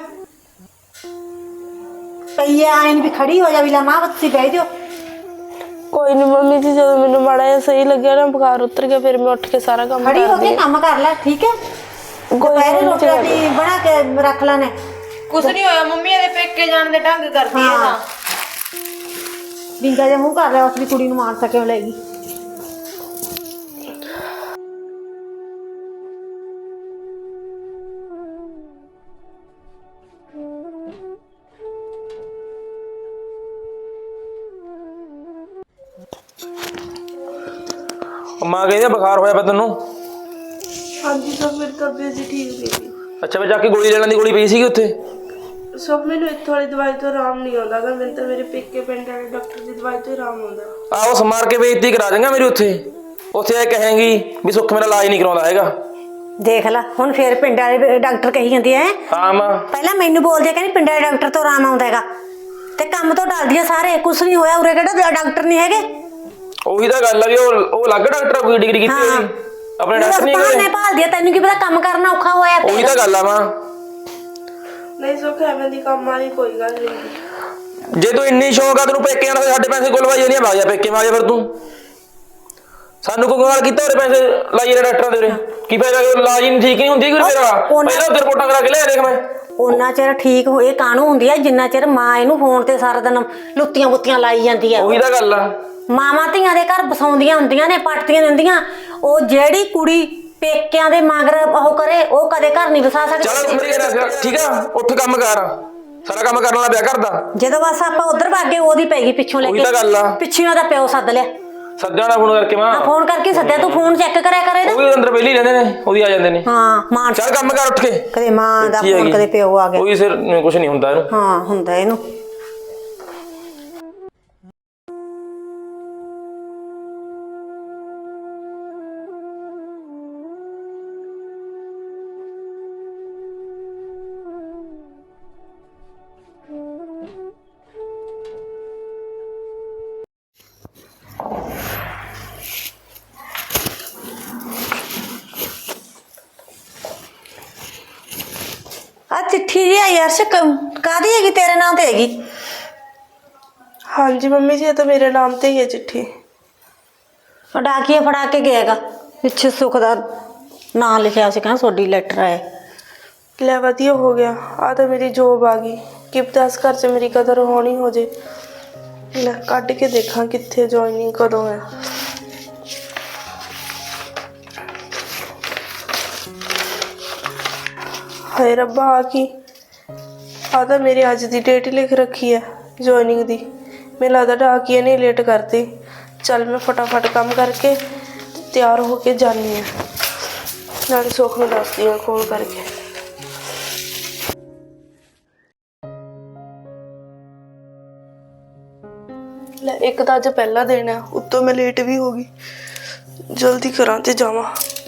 Speaker 2: ਪਈ ਆਏ ਵੀ ਖੜੀ ਹੋ ਜਾ ਵੀ ਲਾ ਮਾਂ ਤੁਸੀਂ ਬਹਿ ਜਾਓ।
Speaker 1: ਕੋਈ ਨੀ ਮੰਮੀ ਜੀ, ਜਦੋਂ ਮੈਨੂੰ ਮਾੜਾ ਜਿਹਾ ਸਹੀ ਲੱਗਿਆ ਨਾ ਬੁਖਾਰ ਉਤਰ ਗਿਆ, ਫਿਰ ਮੈਂ ਉੱਠ ਕੇ ਸਾਰਾ ਕੰਮ
Speaker 2: ਖੜੀ ਹੋ
Speaker 1: ਕਰਦੀ
Speaker 2: ਕੇ ਕੰਮ ਕਰ ਲੈ ਠੀਕ ਹੈ। ਦੁਪਹਿਰੇ ਰੋਟੀ ਰਾਟੀ ਬਣਾ ਕੇ ਰੱਖ ਲੈਣੇ।
Speaker 3: ਕੁਛ ਨਹੀਂ ਹੋਇਆ ਮੰਮੀ, ਇਹਦੇ ਪੇਕੇ ਜਾਣ ਦੇ ਢੰਗ ਕਰਦੀ ਹੈ ਤਾਂ।
Speaker 2: ਬਿੰਗਾ ਜਿਹਾ ਮੂੰਹ ਕਰ ਲਿਆ, ਉਸ ਦੀ ਕੁੜੀ ਨੂੰ ਮਾਰ ਸਕਿਓ ਲੈ ਗਈ।
Speaker 4: ਮਾਂ ਕਹਿੰਦੀ ਆ ਬੁਖਾਰ ਹੋਇਆ ਪਿਆ ਤੈਨੂੰ।
Speaker 1: ਹਾਂਜੀ ਸਭ ਮੇਰੀ ਤਬੀਅਤ ਜੀ ਠੀਕ ਨਹੀਂ।
Speaker 4: ਅੱਛਾ ਮੈਂ ਜਾ ਕੇ ਗੋਲੀ ਲੈ ਲੈਣ ਦੀ, ਗੋਲੀ ਪਈ ਸੀਗੀ ਉੱਥੇ।
Speaker 1: ਸਭ ਮੈਨੂੰ ਇੱਥੋਂ ਵਾਲੀ ਦਵਾਈ ਤੋਂ ਆਰਾਮ ਨਹੀਂ ਆਉਂਦਾ ਗਾ। ਮੈਨੂੰ ਤਾਂ ਮੇਰੇ ਪੇਕੇ ਪਿੰਡ ਵਾਲੇ ਡਾਕਟਰ ਦੀ ਦਵਾਈ ਤੋਂ ਆਰਾਮ ਆਉਂਦਾ।
Speaker 4: ਆਹੋ ਸਮਾਰ ਕੇ ਬੇਇੱਜ਼ਤੀ ਕਰਾ ਦੇਂਗਾ ਮੇਰੀ ਉੱਥੇ। ਉੱਥੇ ਇਹ ਕਹੇਂਗੀ ਵੀ ਸੁੱਖ ਮੇਰਾ ਇਲਾਜ ਨਹੀਂ ਕਰਾਉਂਦਾ ਹੈਗਾ।
Speaker 2: ਦੇਖ ਲੈ ਹੁਣ ਫੇਰ ਪਿੰਡ ਵਾਲੇ ਡਾਕਟਰ ਕਹੀ ਜਾਂਦੀ ਐ।
Speaker 4: ਹਾਂ ਮਾਂ
Speaker 2: ਪਹਿਲਾਂ ਮੈਨੂੰ ਬੋਲਦੇ ਕਹਿੰਦੀ ਪਿੰਡ ਵਾਲੇ ਡਾਕਟਰ ਤੋਂ ਆਰਾਮ ਆਉਂਦਾ ਹੈਗਾ ਤੇ ਕੰਮ ਤੋਂ ਡਰਦੀ ਆ ਸਾਰੇ। ਕੁਛ ਨਹੀਂ ਹੋਇਆ, ਉਰੇ ਕਿਹੜਾ ਡਾਕਟਰ ਨਹੀਂ ਹੈਗੇ।
Speaker 4: ਉਹੀ ਤਾਂ ਗੱਲ ਆ ਵੀ ਉਹ ਅਲੱਗ ਡਾਕਟਰ ਆ, ਕੋਈ ਡਿਗਰੀ ਕੀਤੀ ਹੋਈ, ਆਪਣੇ ਡਾਕਟਰ ਨਹੀਂ
Speaker 2: ਨੇ
Speaker 4: ਹੈਗੇ।
Speaker 2: ਭਾਲਦੀ ਆ, ਤੈਨੂੰ ਕੀ ਪਤਾ ਕੰਮ ਕਰਨਾ ਔਖਾ ਹੋਇਆ ਪਿਆ।
Speaker 4: ਉਹੀ ਤਾਂ ਗੱਲ ਆ ਮਾਂ।
Speaker 1: ਨਹੀਂ ਸੁੱਖ ਐਵੇਂ ਦੀ ਕੰਮ ਵਾਲੀ ਕੋਈ ਗੱਲ ਨਹੀਂ।
Speaker 4: ਜੇ ਤੂੰ ਇੰਨੀ ਸ਼ੌਂਕ ਆ ਤੈਨੂੰ ਪੇਕੇ ਆਣਾ, ਸਾਡੇ ਪੈਸੇ ਗੁਲਵਾਈ ਜਾਂਦੀਆਂ, ਭਾਗ ਜਾ ਪੇਕੇ ਮਾਰ ਜਾ। ਫਿਰ ਤੂੰ ਸਾਨੂੰ ਕੋਈ ਗਵਾਲ ਕੀਤਾ ਉਹਦੇ ਪੈਸੇ ਲਾਈ ਜਾ ਡਾਕਟਰਾਂ ਦੇ ਉਰੇ, ਕੀ ਫਾਇਦਾ? ਇਲਾਜ ਹੀ ਨਹੀਂ ਠੀਕ ਨਹੀਂ ਹੁੰਦੀ ਕੋਈ ਤੇਰਾ। ਪਹਿਲਾਂ ਉੱਧਰ ਰਿਪੋਰਟਾਂ ਕਰਾ ਕੇ ਲਿਆ ਦੇਖ ਮੈਂ।
Speaker 2: ਉਹਨਾਂ ਚਿਰ ਠੀਕ ਹੋਏ ਕਾਹਨੂੰ ਹੁੰਦੀ ਆ ਜਿੰਨਾ ਚਿਰ ਮਾਂ ਇਹਨੂੰ ਫੋਨ ਤੇ ਸਾਰਾ ਦਿਨ ਲੁੱਤੀਆਂ ਬੁੱਤੀਆਂ ਲਾਈ ਜਾਂਦੀ ਆ।
Speaker 4: ਉਹੀ ਤਾਂ ਗੱਲ ਆ।
Speaker 2: ਮਾਵਾਂ ਧੀਆਂ ਦੇ ਘਰ ਬਸਾਉਂਦੀਆਂ ਹੁੰਦੀਆਂ ਨੇ, ਪੱਟਦੀਆਂ ਦਿੰਦੀਆਂ। ਉਹ ਜਿਹੜੀ ਕੁੜੀ ਪੇਕਿਆਂ ਦੇ ਮਗਰ ਉਹ ਕਰੇ, ਉਹ ਕਦੇ ਘਰ ਨਹੀਂ ਵਸਾ
Speaker 4: ਚੱਲ
Speaker 2: ਸਕਦੀ।
Speaker 4: ਮੇਰੀ ਗੱਲ ਠੀਕ ਆ, ਉੱਠ ਕੰਮ ਕਰ, ਸਾਰਾ ਕੰਮ ਕਰਨ ਵਾਲਾ ਪਿਆ ਕਰਦਾ।
Speaker 2: ਜਦੋਂ ਬਸ ਆਪਾਂ ਉਧਰ ਭਾਗੇ ਉਹਦੀ ਪੈ ਗਈ ਪਿੱਛੋਂ ਲੈ
Speaker 4: ਉਹੀ ਤਾਂ ਗੱਲ ਆ।
Speaker 2: ਕੇ। ਪਿੱਛੋਂ ਉਹਦਾ ਪਿਓ ਸੱਦ ਲਿਆ।
Speaker 4: ਸੱਜਣਾ ਦਾ ਫੋਨ ਕਰਕੇ ਮਾਂ।
Speaker 2: ਫੋਨ ਕਰਕੇ ਸੱਦਿਆ, ਤੂੰ ਫੋਨ ਚੈੱਕ ਕਰਿਆ ਕਰੇ
Speaker 4: ਉਹ ਵੀ ਅੰਦਰ ਪਹਿਲੀ ਰਹਿੰਦੇ ਨੇ, ਉਹਦੀ ਆ ਜਾਂਦੇ ਨੇ।
Speaker 2: ਹਾਂ ਮਾਂ
Speaker 4: ਚੱਲ ਕੰਮ ਕਰ ਉੱਠ ਕੇ।
Speaker 2: ਕਦੇ ਮਾਂ ਦਾ ਫੋਨ, ਕਦੇ ਪਿਓ ਆ ਗਿਆ।
Speaker 4: ਕੋਈ ਸਿਰ ਕੁਝ ਨਹੀਂ ਹੁੰਦਾ ਇਹਨੂੰ।
Speaker 2: ਹਾਂ ਹੁੰਦਾ ਇਹਨੂੰ। ਆ ਚਿੱਠੀ ਜੀ ਆਈ ਅਰਸ਼, ਕਾਹਦੀ ਹੈਗੀ? ਤੇਰੇ ਨਾਂ ਤੇ ਹੈਗੀ?
Speaker 1: ਹਾਂਜੀ ਮੰਮੀ ਜੀ, ਇਹ ਤਾਂ ਮੇਰੇ ਨਾਮ ਤੇ ਹੀ ਹੈ ਚਿੱਠੀ।
Speaker 2: ਡਾਕੀਆ ਫੜਾ ਕੇ ਗਿਆਗਾ, ਪਿੱਛੇ ਸੁੱਖ ਦਾ ਨਾਂ ਲਿਖਿਆ ਸੀ, ਕਹਿੰਦਾ ਤੁਹਾਡੀ ਲੈਟਰ ਆਇਆ।
Speaker 1: ਲੈ ਵਧੀਆ ਹੋ ਗਿਆ, ਆ ਤਾਂ ਮੇਰੀ ਜੋਬ ਆ ਗਈ। ਕਿ ਪਤਾ ਇਸ ਘਰ 'ਚ ਮੇਰੀ ਕਦਰ ਹੋਣੀ ਹੋ ਜੇ। ਲੈ ਕੱਢ ਕੇ ਦੇਖਾਂ ਕਿੱਥੇ ਜੁਆਇਨਿੰਗ ਕਦੋਂ ਹੈ। ਹਾਏ ਰੱਬਾ, ਆ ਕੀ? ਆ ਤਾਂ ਮੇਰੀ ਅੱਜ ਦੀ ਡੇਟ ਹੀ ਲਿਖ ਰੱਖੀ ਹੈ ਜੁਆਇਨਿੰਗ ਦੀ। ਮੈਨੂੰ ਲੱਗਦਾ ਡਾਕੀਏ ਨੇ ਲੇਟ ਕਰਤੀ। ਚੱਲ ਮੈਂ ਫਟਾਫਟ ਕੰਮ ਕਰਕੇ ਤਿਆਰ ਹੋ ਕੇ ਜਾਨੀ ਹਾਂ, ਨਾਲੇ ਸੁੱਖ ਨੂੰ ਦੱਸਦੀ ਹਾਂ ਫੋਨ ਕਰਕੇ। ਲੈ ਇੱਕ ਤਾਂ ਅੱਜ ਪਹਿਲਾ ਦਿਨ ਹੈ, ਉੱਤੋਂ ਮੈਂ ਲੇਟ ਵੀ ਹੋ ਗਈ। ਜਲਦੀ ਕਰਾਂ ਤੇ ਜਾਵਾਂ।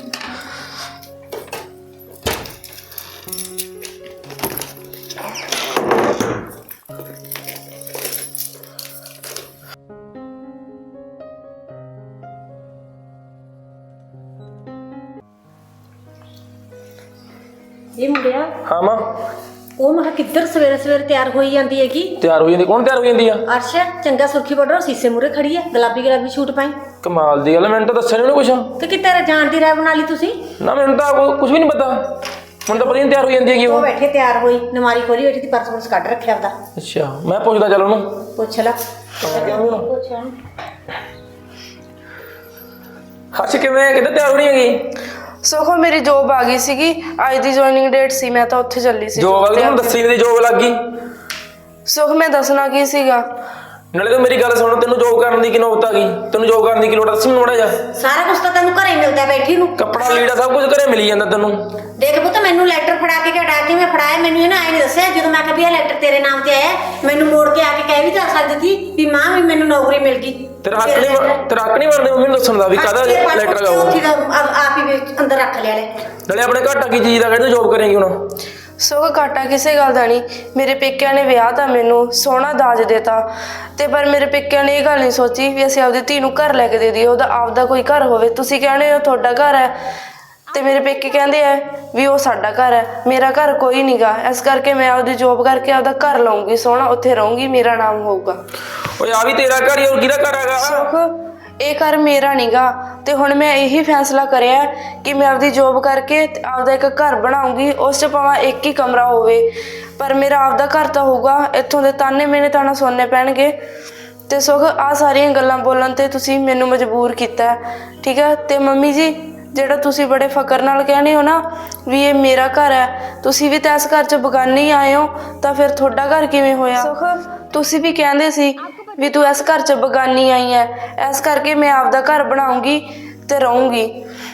Speaker 2: ਇਹ ਮੁੰਡਿਆ,
Speaker 4: ਹਾਂ ਮਾਂ।
Speaker 2: ਉਹ ਮੈਂ ਕਿੱਧਰ ਸਵੇਰੇ ਸਵੇਰੇ ਤਿਆਰ ਹੋਈ ਜਾਂਦੀ ਹੈਗੀ?
Speaker 4: ਤਿਆਰ ਹੋ ਜਾਂਦੀ? ਕੌਣ ਤਿਆਰ ਹੋ ਜਾਂਦੀ ਆ?
Speaker 2: ਅਰਸ਼ ਚੰਗਾ ਸੁਰਖੀ ਬਾਰਡਰ ਸੀਸੇ ਮੂਰੇ ਖੜੀ ਹੈ, ਗੁਲਾਬੀ ਸੂਟ ਪਾਈ।
Speaker 4: ਕਮਾਲ ਦੀ ਗੱਲ, ਮੈਨੂੰ ਤਾਂ ਦੱਸਿਆ ਨਹੀਂ ਉਹਨੇ ਕੁਛ।
Speaker 2: ਤੇ ਕਿਤੇ ਜਾਣ ਦੀ ਰਾਹ ਬਣਾ ਲਈ ਤੁਸੀਂ?
Speaker 4: ਨਾ ਮੈਨੂੰ ਤਾਂ ਕੁਝ ਵੀ ਨਹੀਂ ਪਤਾ। ਮੈਨੂੰ ਤਾਂ ਪਤਾ ਨਹੀਂ ਤਿਆਰ ਹੋ ਜਾਂਦੀ ਹੈਗੀ
Speaker 2: ਉਹ
Speaker 4: ਉਹ।
Speaker 2: ਬੈਠੇ ਤਿਆਰ ਹੋਈ, ਨਮਾਰੀ ਖੋਲੀ ਬੈਠੀ, ਪਰਸ ਕੱਢ ਰੱਖਿਆ ਉਹਦਾ।
Speaker 4: ਅੱਛਾ ਮੈਂ ਪੁੱਛਦਾ ਚੱਲ ਉਹਨੂੰ।
Speaker 2: ਪੁੱਛ ਲੈ।
Speaker 4: ਹਰਸ਼ ਕਿਵੇਂ, ਕਿੱਥੇ ਤਿਆਰ ਹੋਣੀ ਹੈਗੀ?
Speaker 1: ਸੋਖੋ ਮੇਰੀ ਜੋਬ ਆ ਗਈ ਸੀਗੀ, ਅੱਜ ਦੀ ਜੁਆਇਨਿੰਗ ਡੇਟ ਸੀ, ਮੈਂ ਤਾਂ ਉੱਥੇ ਚੱਲੀ ਸੀ।
Speaker 4: ਜੋਬ ਵਾਲੀ ਨੂੰ ਦੱਸੀ ਨਹੀਂ, ਜੋਬ ਲੱਗ ਗਈ।
Speaker 1: ਸੁਖ ਮੈਂ ਦੱਸਣਾ ਕੀ ਸੀਗਾ?
Speaker 4: ਨਾਲੇ ਤੂੰ ਮੇਰੀ ਗੱਲ ਸੁਣ, ਤੈਨੂੰ ਜੋਬ ਕਰਨ ਦੀ ਕੀ ਨੌਬਤ ਆ ਗਈ? ਤੈਨੂੰ ਜੋਬ ਕਰਨ ਦੀ ਕੀ ਲੋੜ ਆ? ਦੱਸ ਮੈਨੂੰ ਮਾੜਾ ਜਾ।
Speaker 2: ਸਾਰਾ ਕੁਝ ਤਾਂ ਤੈਨੂੰ ਘਰੇ ਮਿਲਦਾ ਬੈਠੀ ਨੂੰ।
Speaker 4: ਕੱਪੜਾ ਲੀੜਾ ਸਭ ਕੁਝ ਘਰੇ ਮਿਲੀ ਜਾਂਦਾ ਤੈਨੂੰ।
Speaker 2: ਦੇਖ ਪੁੱਤ, ਮੈਨੂੰ ਲੈਟਰ ਫੜਾ ਕੇ ਕਿਹੜਾ ਕਿਵੇਂ ਫੜਾਇਆ? ਮੈਨੂੰ ਇਹਨੇ ਆਏ ਨਹੀਂ ਦੱਸਿਆ। ਜਦੋਂ ਮੈਂ ਕਿਹਾ ਵੀ ਇਹ ਲੈਟਰ ਤੇਰੇ ਨਾਮ ਤੇ ਆਇਆ, ਮੈਨੂੰ ਮੋੜ ਕੇ ਆ ਕੇ ਕਹਿ ਵੀ ਤਾਂ ਸਕਦੀ ਸੀ ਵੀ ਮਾਂ ਵੀ ਮੈਨੂੰ ਨੌਕਰੀ ਮਿਲ ਗਈ।
Speaker 4: ਤੇਰਾ ਹੱਕ ਨਹੀਂ ਬਣਦਾ ਮੰਮੀ ਨੂੰ ਦੱਸਣ ਦਾ ਵੀ ਕਾਹਦਾ ਲੈਟਰ ਲਗਾਓ।
Speaker 2: ਆਪ ਹੀ ਵਿੱਚ ਅੰਦਰ ਰੱਖ ਲਿਆ ਲੈ।
Speaker 4: ਨਾਲੇ ਆਪਣੇ ਘਾਟਾ ਕੀ ਚੀਜ਼ ਦਾ, ਕਿਹੜੀ ਜੋਬ ਕਰੇਂਗੀ ਹੁਣ?
Speaker 1: ਸੁਖ ਘਾਟਾ ਕਿਸੇ ਗੱਲ ਦਾ ਨਹੀਂ। ਮੇਰੇ ਪੇਕਿਆਂ ਨੇ ਵਿਆਹ ਤਾਂ ਮੈਨੂੰ ਸੋਹਣਾ ਦਾਜ ਦੇਤਾ, ਤੇ ਪਰ ਮੇਰੇ ਪੇਕਿਆਂ ਨੇ ਇਹ ਗੱਲ ਨਹੀਂ ਸੋਚੀ ਵੀ ਅਸੀਂ ਆਪਦੀ ਧੀ ਨੂੰ ਘਰ ਲੈ ਕੇ ਦੇ ਦਈਏ, ਉਹਦਾ ਆਪਦਾ ਕੋਈ ਘਰ ਹੋਵੇ। ਤੁਸੀਂ ਕਹਿੰਦੇ ਹੋ ਤੁਹਾਡਾ ਘਰ ਹੈ, ਤੇ ਮੇਰੇ ਪੇਕੇ ਕਹਿੰਦੇ ਆ ਵੀ ਉਹ ਸਾਡਾ ਘਰ ਹੈ। ਮੇਰਾ ਘਰ ਕੋਈ ਨਹੀਂ ਗਾ, ਇਸ ਕਰਕੇ ਮੈਂ ਆਪਦੀ ਜੋਬ ਕਰਕੇ ਆਪਦਾ ਘਰ ਲਾਉਂਗੀ ਸੋਹਣਾ, ਉੱਥੇ ਰਹੂੰਗੀ, ਮੇਰਾ ਨਾਮ ਹੋਊਗਾ।
Speaker 4: ਓਏ ਆ ਵੀ ਤੇਰਾ ਘਰ ਹੀ, ਹੋਰ ਕਿਹਦਾ ਘਰ ਹੈਗਾ?
Speaker 1: ਸੁਖ ਇਹ ਘਰ ਮੇਰਾ ਨੀਗਾ, ਤੇ ਹੁਣ ਮੈਂ ਇਹੀ ਫੈਸਲਾ ਕਰਿਆ ਕਿ ਮੈਂ ਆਪਦੀ ਜੋਬ ਕਰਕੇ ਆਪਦਾ ਇੱਕ ਘਰ ਬਣਾਉਂਗੀ। ਉਸ 'ਚ ਭਾਵੇਂ ਇੱਕ ਹੀ ਕਮਰਾ ਹੋਵੇ, ਪਰ ਮੇਰਾ ਆਪਦਾ ਘਰ ਤਾਂ ਹੋਊਗਾ। ਇੱਥੋਂ ਦੇ ਤਾਨੇ ਮੇਨੇ ਤਾਂ ਨਾ ਸੁਣਨੇ ਪੈਣਗੇ। ਤੇ ਸੁਖ ਆਹ ਸਾਰੀਆਂ ਗੱਲਾਂ ਬੋਲਣ ਤੇ ਤੁਸੀਂ ਮੈਨੂੰ ਮਜਬੂਰ ਕੀਤਾ, ਠੀਕ ਹੈ? ਤੇ ਮੰਮੀ ਜੀ, ਜਿਹੜਾ ਤੁਸੀਂ ਬੜੇ ਫਕਰ ਨਾਲ ਕਹਿੰਦੇ ਹੋ ਨਾ ਵੀ ਇਹ ਮੇਰਾ ਘਰ ਹੈ, ਤੁਸੀਂ ਵੀ ਤਾਂ ਇਸ ਘਰ 'ਚ ਬਗਾਨੇ ਹੀ ਆਏ ਹੋ, ਤਾਂ ਫਿਰ ਤੁਹਾਡਾ ਘਰ ਕਿਵੇਂ ਹੋਇਆ? ਸੁਖ ਤੁਸੀਂ ਵੀ ਕਹਿੰਦੇ ਸੀ ਵੀ ਤੂੰ ਇਸ ਘਰ 'ਚ ਬਗਾਨੀ ਆਈ ਐ, ਇਸ ਕਰਕੇ ਮੈਂ ਆਪਦਾ ਘਰ ਬਣਾਉਂਗੀ ਤੇ ਰਹੂੰਗੀ।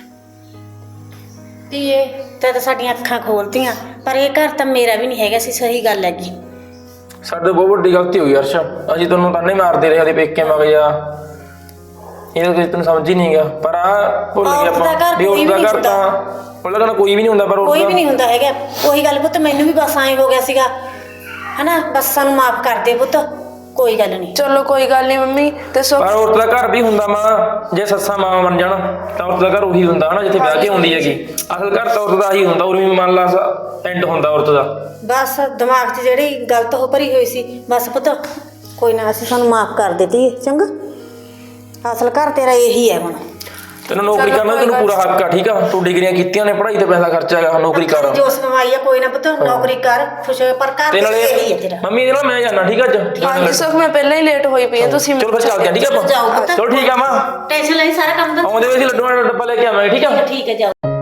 Speaker 2: ਧੀਏ ਤੇ ਤਾਂ ਸਾਡੀਆਂ ਅੱਖਾਂ ਖੋਲਤੀਆਂ, ਪਰ ਇਹ ਘਰ ਤਾਂ ਮੇਰਾ ਵੀ ਨਹੀਂ ਹੈਗਾ ਸੀ। ਸਹੀ ਗੱਲ ਹੈਗੀ।
Speaker 4: ਸਾਡੇ ਬਹੁਤ ਵੱਡੀ ਗਲਤੀ ਹੋਈ ਅਰਸ਼, ਅਸੀਂ ਤੈਨੂੰ ਤਾਨੇ ਮਾਰਦੇ ਰਹੇ ਉਹਦੇ ਪੇਕੇ ਮਗ ਜਾ, ਇਹਦਾ ਕੁਝ ਤੈਨੂੰ ਸਮਝ ਹੀ ਨਹੀਂ ਗਿਆ। ਪਰ ਆ ਭੁੱਲ ਗਿਆ ਆਪਾਂ ਵੀ ਉਹਦਾ ਘਰ ਤਾਂ ਉਹਦਾ ਕਹਿੰਦਾ ਕੋਈ ਵੀ ਨਹੀਂ ਹੁੰਦਾ, ਪਰ
Speaker 2: ਕੋਈ ਵੀ ਨਹੀਂ ਹੁੰਦਾ ਹੈਗਾ। ਉਹੀ ਗੱਲ ਪੁੱਤ, ਮੈਨੂੰ ਵੀ ਬਸ ਐਂ ਹੋ ਗਿਆ ਸੀਗਾ ਹਨਾ। ਬਸ ਸਾਨੂੰ ਮਾਫ ਕਰ ਦੇ ਪੁੱਤ, ਕੋਈ ਗੱਲ ਨਹੀਂ।
Speaker 1: ਚਲੋ ਕੋਈ ਗੱਲ ਨਹੀਂ ਮੰਮੀ। ਤੇ
Speaker 4: ਪਰ ਔਰਤ ਦਾ ਘਰ ਵੀ ਹੁੰਦਾ ਮਾਂ, ਜੇ ਸੱਸਾਂ ਮਾਂ ਬਣ ਜਾਣ ਤਾਂ ਔਰਤ ਦਾ ਘਰ ਉਹੀ ਹੁੰਦਾ ਹਨਾ ਜਿੱਥੇ ਵਿਆਹ ਕੇ ਹੁੰਦੀ ਹੈਗੀ। ਅਸਲ ਘਰ ਤਾਂ ਔਰਤ ਦਾ ਹੀ ਹੁੰਦਾ, ਉਰਵੀਂ ਮੰਨ ਲਾ ਐਂਡ ਹੁੰਦਾ ਔਰਤ ਦਾ।
Speaker 2: ਬਸ ਦਿਮਾਗ 'ਚ ਜਿਹੜੀ ਗਲਤ ਹੋ ਭਰੀ ਹੋਈ ਸੀ, ਬਸ ਪੁੱਤ ਕੋਈ ਨਾ, ਅਸੀਂ ਸਾਨੂੰ ਮਾਫ ਕਰ ਦਿੱਤੀ। ਚੰਗਾ, ਅਸਲ ਘਰ ਤੇਰਾ ਇਹੀ ਹੈ ਹੁਣ।
Speaker 4: ਤੈਨੂੰ ਨੌਕਰੀ ਕਰਨਾ ਤੈਨੂੰ ਪੂਰਾ ਹੱਕ ਆ, ਠੀਕ ਆ। ਤੂੰ ਡਿਗਰੀਆਂ ਕੀਤੀਆਂ ਨੇ, ਪੜ੍ਹਾਈ ਤੇ ਪੈਸਾ ਖਰਚਿਆ ਹੈਗਾ, ਨੌਕਰੀ ਕਰ।
Speaker 2: ਜੋ ਕਮਾਈ ਆ ਕੋਈ ਨਾ ਪੁੱਤ, ਨੌਕਰੀ ਕਰ, ਖੁਸ਼ ਹੋ। ਪਰ ਘਰ
Speaker 4: ਤੇ ਨਾਲੇ
Speaker 2: ਇਹੀ ਹੈ ਤੇਰਾ।
Speaker 4: ਮੰਮੀ ਇਹਦੇ ਨਾਲ ਮੈਂ ਜਾਣਾ, ਠੀਕ ਆ ਅੱਜ।
Speaker 1: ਹਾਂਜੀ ਸੁਖ, ਮੈਂ ਪਹਿਲਾਂ ਹੀ ਲੇਟ ਹੋਈ ਪਈ ਆ, ਤੁਸੀਂ
Speaker 4: ਚਲੋ ਫਿਰ ਚੱਲਦੇ ਆ, ਠੀਕ ਆ ਆਪਾਂ।
Speaker 2: ਜਾਓ ਪੁੱਤ,
Speaker 4: ਚਲੋ ਠੀਕ ਆ ਮਾਂ,
Speaker 2: ਟੈਨਸ਼ਨ ਲਈ, ਸਾਰਾ ਕੰਮ ਤਾਂ
Speaker 4: ਆਉਂਦੇ ਵੇ ਅਸੀਂ ਲੱਡੂਆਂ ਦਾ ਡੱਬਾ ਲੈ ਕੇ ਆਵਾਂਗੇ, ਠੀਕ ਆ।
Speaker 2: ਠੀਕ ਹੈ, ਜਾਓ।